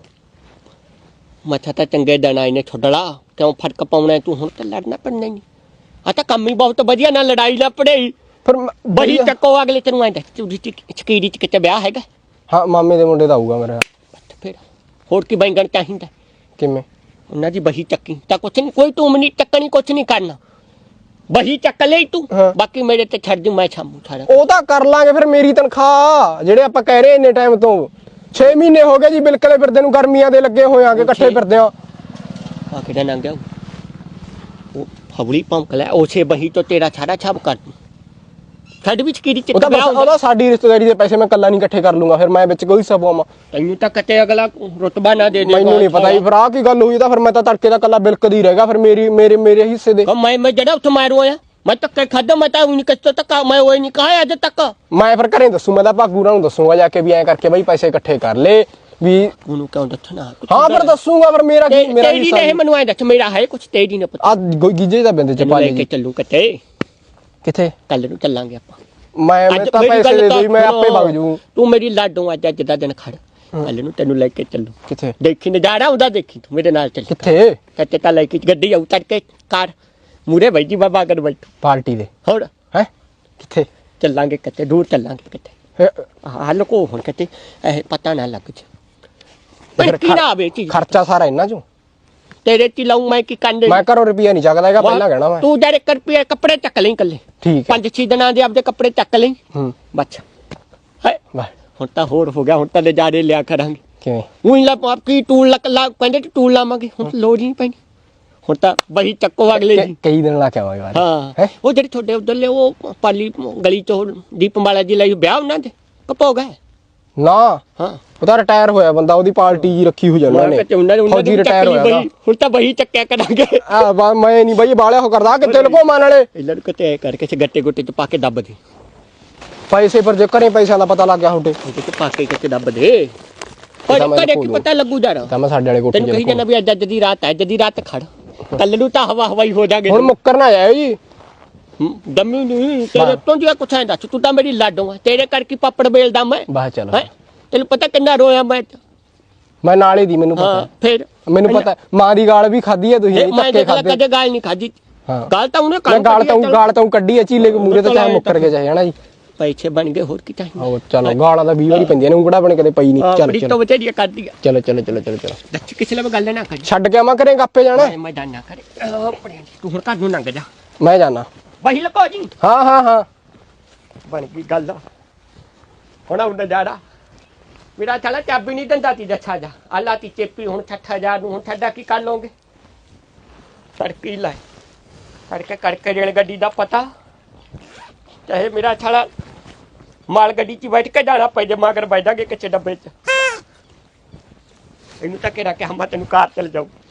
[SPEAKER 6] ਮੱਥਾ ਤਾਂ ਚੰਗੇ ਦਿਨ ਆਏ ਨੇ ਛੋੜਲਾ। ਕਿਉਂ ਫਰਕ ਪਾਉਣਾ ਤੂੰ? ਹੁਣ ਤਾਂ ਲੜਨਾ ਪੜਨਾ ਹੀ ਨਹੀਂ। ਆ ਤਾਂ ਕੰਮ ਹੀ ਬਹੁਤ ਵਧੀਆ, ਨਾ ਲੜਾਈ ਨਾ ਪੜਾਈ।
[SPEAKER 7] ਫਿਰ
[SPEAKER 6] ਬੜੀ ਚੱਕੋ ਅਗਲੇ ਤੈਨੂੰ ਆਂਦਾ ਚਕੀਰੀ ਚ ਕਿਤੇ ਵਿਆਹ ਹੈਗਾ?
[SPEAKER 7] ਹਾਂ ਮਾਮੇ ਦੇ ਮੁੰਡੇ ਦਾ ਆਊਗਾ ਮੇਰਾ।
[SPEAKER 6] ਫਿਰ ਹੋਰ ਕੀ ਬੈਂਗਣ ਚਾਹੀਦਾ?
[SPEAKER 7] ਕਿਵੇਂ?
[SPEAKER 6] ਉਹਨਾਂ ਦੀ ਬਹੀ ਚੱਕੀ ਤਾਂ ਕੁਛ ਨਹੀਂ, ਕੋਈ ਤੂੰ ਨਹੀਂ ਚੱਕਣੀ, ਕੁਛ ਨਹੀਂ ਕਰਨਾ। ਬਹੀ ਚੱਕ ਲਈ ਤੂੰ, ਬਾਕੀ ਮੇਰੇ ਤੇ ਛੱਡ ਦੂੰ, ਮੈਂ ਛਾਮੂ ਸਾਰਾ।
[SPEAKER 7] ਉਹ ਤਾਂ ਕਰ ਲਾਂਗੇ। ਫਿਰ ਮੇਰੀ ਤਨਖਾਹ ਜਿਹੜੇ ਆਪਾਂ ਕਹਿ ਰਹੇ ਇੰਨੇ ਟਾਈਮ ਤੋਂ 6 ਮਹੀਨੇ ਹੋ ਗਏ ਜੀ ਬਿਲਕੁਲ ਫਿਰਦੇ ਨੂੰ, ਗਰਮੀਆਂ ਦੇ ਲੱਗੇ ਹੋਏ ਆਂਗੇ ਇਕੱਠੇ ਫਿਰਦੇ ਆ।
[SPEAKER 6] ਆ ਕਿਹੜਾ ਨੰਗਿਆ ਉਹ ਫਵਲੀ ਭੌਂਕ ਲੈ ਉਸੇ ਬਹੀ ਤੋਂ ਤੇਰਾ ਸਾਰਾ ਛਾਪ ਕਰ ਦੂੰ। ਛੱਡ ਵਿੱਚ ਕਿਹਦੀ
[SPEAKER 7] ਉਹ ਤਾਂ ਉਹਦਾ ਸਾਡੀ ਰਿਸ਼ਤੇਦਾਰੀ ਦੇ ਪੈਸੇ ਮੈਂ ਕੱਲਾ ਨਹੀਂ ਇਕੱਠੇ ਕਰ ਲੂੰਗਾ। ਫਿਰ ਮੈਂ ਵਿੱਚ ਕੋਈ ਸਬੂਆ
[SPEAKER 6] ਤੈਨੂੰ ਤਾਂ ਕਤੇ ਅਗਲਾ ਰੁਤਬਾ ਨਾ ਦੇ ਦੇ।
[SPEAKER 7] ਮੈਨੂੰ ਨਹੀਂ ਪਤਾ ਜੀ ਫਿਰ ਆ ਕੀ ਗੱਲ ਹੋਈ ਤਾਂ। ਫਿਰ ਮੈਂ ਤਾਂ ਤੜਕੇ ਦਾ ਕੱਲਾ ਬਿਲਕਦੀ ਰਹਿ ਗਿਆ। ਫਿਰ ਮੇਰੇ ਹਿੱਸੇ ਦੇ
[SPEAKER 6] ਮੈਂ ਜਿਹੜਾ ਉੱਥੇ ਮਾਰੂ ਆਇਆ ਮੈਂ ਧੱਕੇ ਖਾਦਾ। ਮੈਂ ਤਾਂ ਨਹੀਂ ਕਿਸ ਤੱਕ ਮੈਂ ਉਹ ਨਹੀਂ ਕਹਾ ਅੱਜ ਤੱਕ।
[SPEAKER 7] ਮੈਂ ਫਿਰ ਘਰੇ ਦੱਸੂ। ਮੈਂ ਤਾਂ ਭਾਗੂਰਾਂ ਨੂੰ ਦੱਸੂਗਾ ਜਾ ਕੇ ਵੀ ਐਂ ਕਰਕੇ ਬਈ ਪੈਸੇ ਇਕੱਠੇ ਕਰ ਲੈ ਵੀ।
[SPEAKER 6] ਉਹਨੂੰ ਕਿਉਂ ਦੱਸਣਾ?
[SPEAKER 7] ਹਾਂ ਫਿਰ ਦੱਸੂਗਾ। ਫਿਰ ਮੇਰਾ ਕੀ ਮੇਰਾ
[SPEAKER 6] ਤੇਰੀ ਨਹੀਂ ਮੈਨੂੰ ਐਂ ਦੱਸ ਮੇਰਾ ਹੈ ਕੁਛ ਤੇਰੀ ਨਹੀਂ ਪਤਾ।
[SPEAKER 7] ਆ ਗੀਜੇ ਦਾ ਬਿੰਦੇ ਚ ਪਾ ਲੈ ਜੀ।
[SPEAKER 6] ਚੱਲੂ ਕਿੱਥੇ?
[SPEAKER 7] ਕਿੱਥੇ
[SPEAKER 6] ਕੱਲ ਨੂੰ ਚੱਲਾਂਗੇ ਆਪਾਂ।
[SPEAKER 7] ਮੈਂ ਤਾਂ ਪੈਸੇ ਦੇ ਦੂੰ, ਮੈਂ ਆਪੇ ਵਗ ਜੂ।
[SPEAKER 6] ਤੂੰ ਮੇਰੀ ਲਾਡੋਂ ਅੱਜ ਦਾ ਦਿਨ ਖੜ। ਕੱਲ ਨੂੰ ਤੈਨੂੰ ਲੈ ਕੇ ਚੱਲੂ।
[SPEAKER 7] ਕਿੱਥੇ?
[SPEAKER 6] ਦੇਖੀ ਨਜ਼ਾਰਾ ਹੁੰਦਾ, ਦੇਖੀ ਤੂੰ ਮੇਰੇ ਨਾਲ ਚੱਲ।
[SPEAKER 7] ਕਿੱਥੇ?
[SPEAKER 6] ਕੱਤੇ ਤਾਂ ਲੈ ਕੇ ਗੱਡੀ ਆਉ ਤੜਕੇ ਕਾਰ ਮੂਰੇ ਬਈ ਜੀ ਬਾਬਾ ਕਰ ਬੈਠ
[SPEAKER 7] ਪਾਰਟੀ ਦੇ।
[SPEAKER 6] ਹੋਰ
[SPEAKER 7] ਹੈ ਕਿੱਥੇ
[SPEAKER 6] ਚੱਲਾਂਗੇ? ਕਿਤੇ ਦੂਰ ਚੱਲਾਂਗੇ ਕਿਤੇ। ਹੱਲ ਕੋ ਹੁਣ ਕਿਤੇ ਇਹ ਪਤਾ ਨਾ ਲੱਗ ਜਾ। ਪਰ ਕੀ ਨਾ ਆਵੇ ਚੀਜ਼
[SPEAKER 7] ਖਰਚਾ ਸਾਰਾ ਇਹਨਾਂ ਚੋਂ
[SPEAKER 6] ਤੇਰੇ ਚ ਲਾਉਂ ਮੈਂ ਕੀ ਕੰਡੇ।
[SPEAKER 7] ਮੈਂ ਘਰੋਂ ਰੁਪਿਆ ਨਹੀਂ ਚੱਕਦਾ ਹੈਗਾ ਪਹਿਲਾਂ ਕਹਿਣਾ ਮੈਂ।
[SPEAKER 6] ਤੂੰ ਜਿਹੜੇ ਰੁਪਏ ਕੱਪੜੇ ਚੱਕ ਲਈ ਕੱਲੇ।
[SPEAKER 7] ਠੀਕ ਹੈ।
[SPEAKER 6] 5-6 ਦਿਨਾਂ ਦੇ ਆਪਦੇ ਕੱਪੜੇ ਚੱਕ ਲਈ ਬੱਚ। ਹੈ ਹੁਣ ਤਾਂ ਹੋਰ ਹੋ ਗਿਆ। ਹੁਣ ਤਾਂ ਨਜ਼ਾਰੇ ਲਿਆ ਕਰਾਂਗੇ।
[SPEAKER 7] ਕਿਵੇਂ?
[SPEAKER 6] ਉਹੀ ਲਾ ਕੀ ਟੂਲ ਲਾ ਕਹਿੰਦੇ ਟੂਲ ਲਾਵਾਂਗੇ। ਹੁਣ ਲੋੜ ਨਹੀਂ ਪੈਣੀ। ਹੁਣ ਤਾਂ ਬਹੀ ਚੱਕੋ ਅਗਲੇ ਜੀ।
[SPEAKER 7] ਕਈ ਦਿਨ ਲਾ ਕੇ ਆਵਾਂਗੇ ਬਾਅਦ।
[SPEAKER 6] ਹਾਂ ਉਹ ਜਿਹੜੇ ਤੁਹਾਡੇ ਉਧਰਲੇ ਉਹ ਪਾਲੀ ਗਲੀ ਚੋਂ ਦੀਪਮਾਲਾ ਜੀ ਲਈ ਵਿਆਹ ਉਹਨਾਂ ਦੇ ਕਪੋ ਗਏ
[SPEAKER 7] ਨਾ।
[SPEAKER 6] ਹਾਂ
[SPEAKER 7] ਉਹਦਾ ਰਿਟਾਇਰ ਹੋਇਆ ਬੰਦਾ, ਉਹਦੀ ਪਾਰਟੀ ਜੀ ਰੱਖੀ ਹੋ ਜਾਣਾ ਨੇ। ਫੌਜੀ ਰਿਟਾਇਰ ਹੋਇਆ।
[SPEAKER 6] ਹੁਣ ਤਾਂ ਬਹੀ ਚੱਕਿਆ ਕਰਾਂਗੇ।
[SPEAKER 7] ਮੈਂ ਨਹੀਂ ਬਈ ਬਾਲਿਆ ਹੋ ਕਰਦਾ ਕਿੱਥੇ ਲਕੋਮਾਂ ਨਾਲੇ।
[SPEAKER 6] ਇਹਨਾਂ ਨੂੰ ਕਿਤੇ ਐ ਕਰਕੇ ਗੱਟੇ ਗੁੱਟੇ ਚ ਪਾ ਕੇ ਦੱਬ ਦੇ
[SPEAKER 7] ਪੈਸੇ। ਪਰ ਜੇ ਘਰੇ ਪੈਸਿਆਂ ਦਾ ਪਤਾ ਲੱਗ ਗਿਆ ਤੁਹਾਡੇ
[SPEAKER 6] ਉਹਦੇ ਚ ਪਾ ਕੇ ਕਿਤੇ ਦੱਬ ਦੇ। ਪਰ ਕਦੇ ਕੀ ਪਤਾ ਲੱਗੂ ਜਾਣਾ।
[SPEAKER 7] ਤਾਂ ਮੈਂ ਸਾਡੇ ਵਾਲੇ ਕੋਠੇ
[SPEAKER 6] ਤੈਨੂੰ ਕਹੀ ਜਾਂਦਾ ਵੀ ਅੱਜ ਦੀ ਰਾਤ ਹੈ, ਅੱਜ ਦੀ ਰਾਤ ਖੜ। ਕੱਲ ਨੂੰ ਤਾਂ ਹਵਾ ਹਵਾਈ ਹੋ ਜਾਗੇ।
[SPEAKER 7] ਹੁਣ ਮੁੱਕਰ ਨਾ ਜਾਇਓ ਜੀ।
[SPEAKER 6] ਦਮੀ ਨਹੀਂ ਤੇਰੇ ਤੋਂ ਜੀ ਕੁਛ ਐ ਦੱਸ। ਤੂੰ ਤਾਂ ਮੇਰੀ ਲਾਡੋ ਆ, ਤੇਰੇ ਕਰਕੇ ਪਾਪੜ ਬੇਲਦਾ ਮੈਂ।
[SPEAKER 7] ਬਾਹਰ ਚਲੋ।
[SPEAKER 6] ਤੈਨੂੰ ਪਤਾ ਕਿੰਨਾ ਰੋਇਆ ਮੈਂ
[SPEAKER 7] ਨਾਲੇ ਦੀ ਮੈਨੂੰ ਪਤਾ।
[SPEAKER 6] ਫਿਰ
[SPEAKER 7] ਮੈਨੂੰ ਪਤਾ ਮਾਂ ਦੀ ਗਾਲ ਵੀ ਖਾਧੀ ਹੈ ਤੁਸੀਂ।
[SPEAKER 6] ਮੈਂ ਕਦੇ ਗਾਲ ਨਹੀਂ ਖਾਧੀ। ਗਾਲ ਤਾਂ ਉਹਨੇ
[SPEAKER 7] ਗਾਲ ਤਾਂ ਕੱਢੀ ਹੈ ਚੀਲੇ ਮੂਰੇ ਤੋਂ ਚਾਹੇ ਮੁੱਕਰ ਕੇ ਚਾਹੇ ਹਨਾ ਜੀ।
[SPEAKER 6] ਪੈਸੇ ਬਣ ਗਏ ਹੋਰ ਕੀ ਚਾਹੀਦਾ।
[SPEAKER 7] ਉਹ ਚਲੋ ਗਾਲਾਂ ਦਾ 20 ਵਾਰੀ ਪੈਂਦੀਆਂ ਨੇ, ਉਂਗੜਾ ਬਣ ਕਦੇ ਪਈ ਨਹੀਂ।
[SPEAKER 6] ਚਲ ਚਲੋ ਬਚੇੜੀਆਂ ਕਰਦੀ ਆ।
[SPEAKER 7] ਚਲੋ
[SPEAKER 6] ਦੱਸ ਕਿਸੇ ਨਾਲ ਗੱਲ ਨਾ ਕਰ।
[SPEAKER 7] ਛੱਡ ਕੇ ਆਵਾਂ ਘਰੇ ਗੱਪੇ ਜਾਣਾ।
[SPEAKER 6] ਮੈਂ ਜਾਣਾ ਕਰੇ ਤੂੰ ਹੁਣ ਘਰ ਨੂੰ ਲੰਘ ਜਾ।
[SPEAKER 7] ਮੈਂ ਜਾਣਾ।
[SPEAKER 6] ਵਹੀ ਲਕੋ ਜੀ।
[SPEAKER 7] ਹਾਂ
[SPEAKER 6] ਬਣ ਗਈ ਗੱਲ। ਹੁਣ ਉਹਨਾਂ ਜਾੜਾ ਮੇਰਾ ਚਲਾ ਚਾਬੀ ਨਹੀਂ ਦਿੰਦਾ ਤੀ ਦੱਛਾ ਜਾ ਆਲਾ ਤੀ ਚੇਪੀ। ਹੁਣ 60,000 ਨੂੰ ਹੁਣ ਛੱਡਾ ਕੀ ਕਰ ਲਓਗੇ? ਸੜਕੀ ਲੈ ਕਰਕੇ ਰੇਲ ਗੱਡੀ ਦਾ ਪਤਾ ਚਾਹੇ ਮੇਰਾ ਛਾਲਾ ਮਾਲ ਗੱਡੀ 'ਚ ਬੈਠ ਕੇ ਜਾਣਾ ਪੈ ਜੇ ਮਗਰ ਬੈਠਾਂਗੇ ਕਿਸੇ ਡੱਬੇ 'ਚ। ਇਹਨੂੰ ਤਾਂ ਕਿਹੜਾ ਕਿ ਹਮਾ ਤੈਨੂੰ ਕਾਰ ਚਲ ਜਾਊ।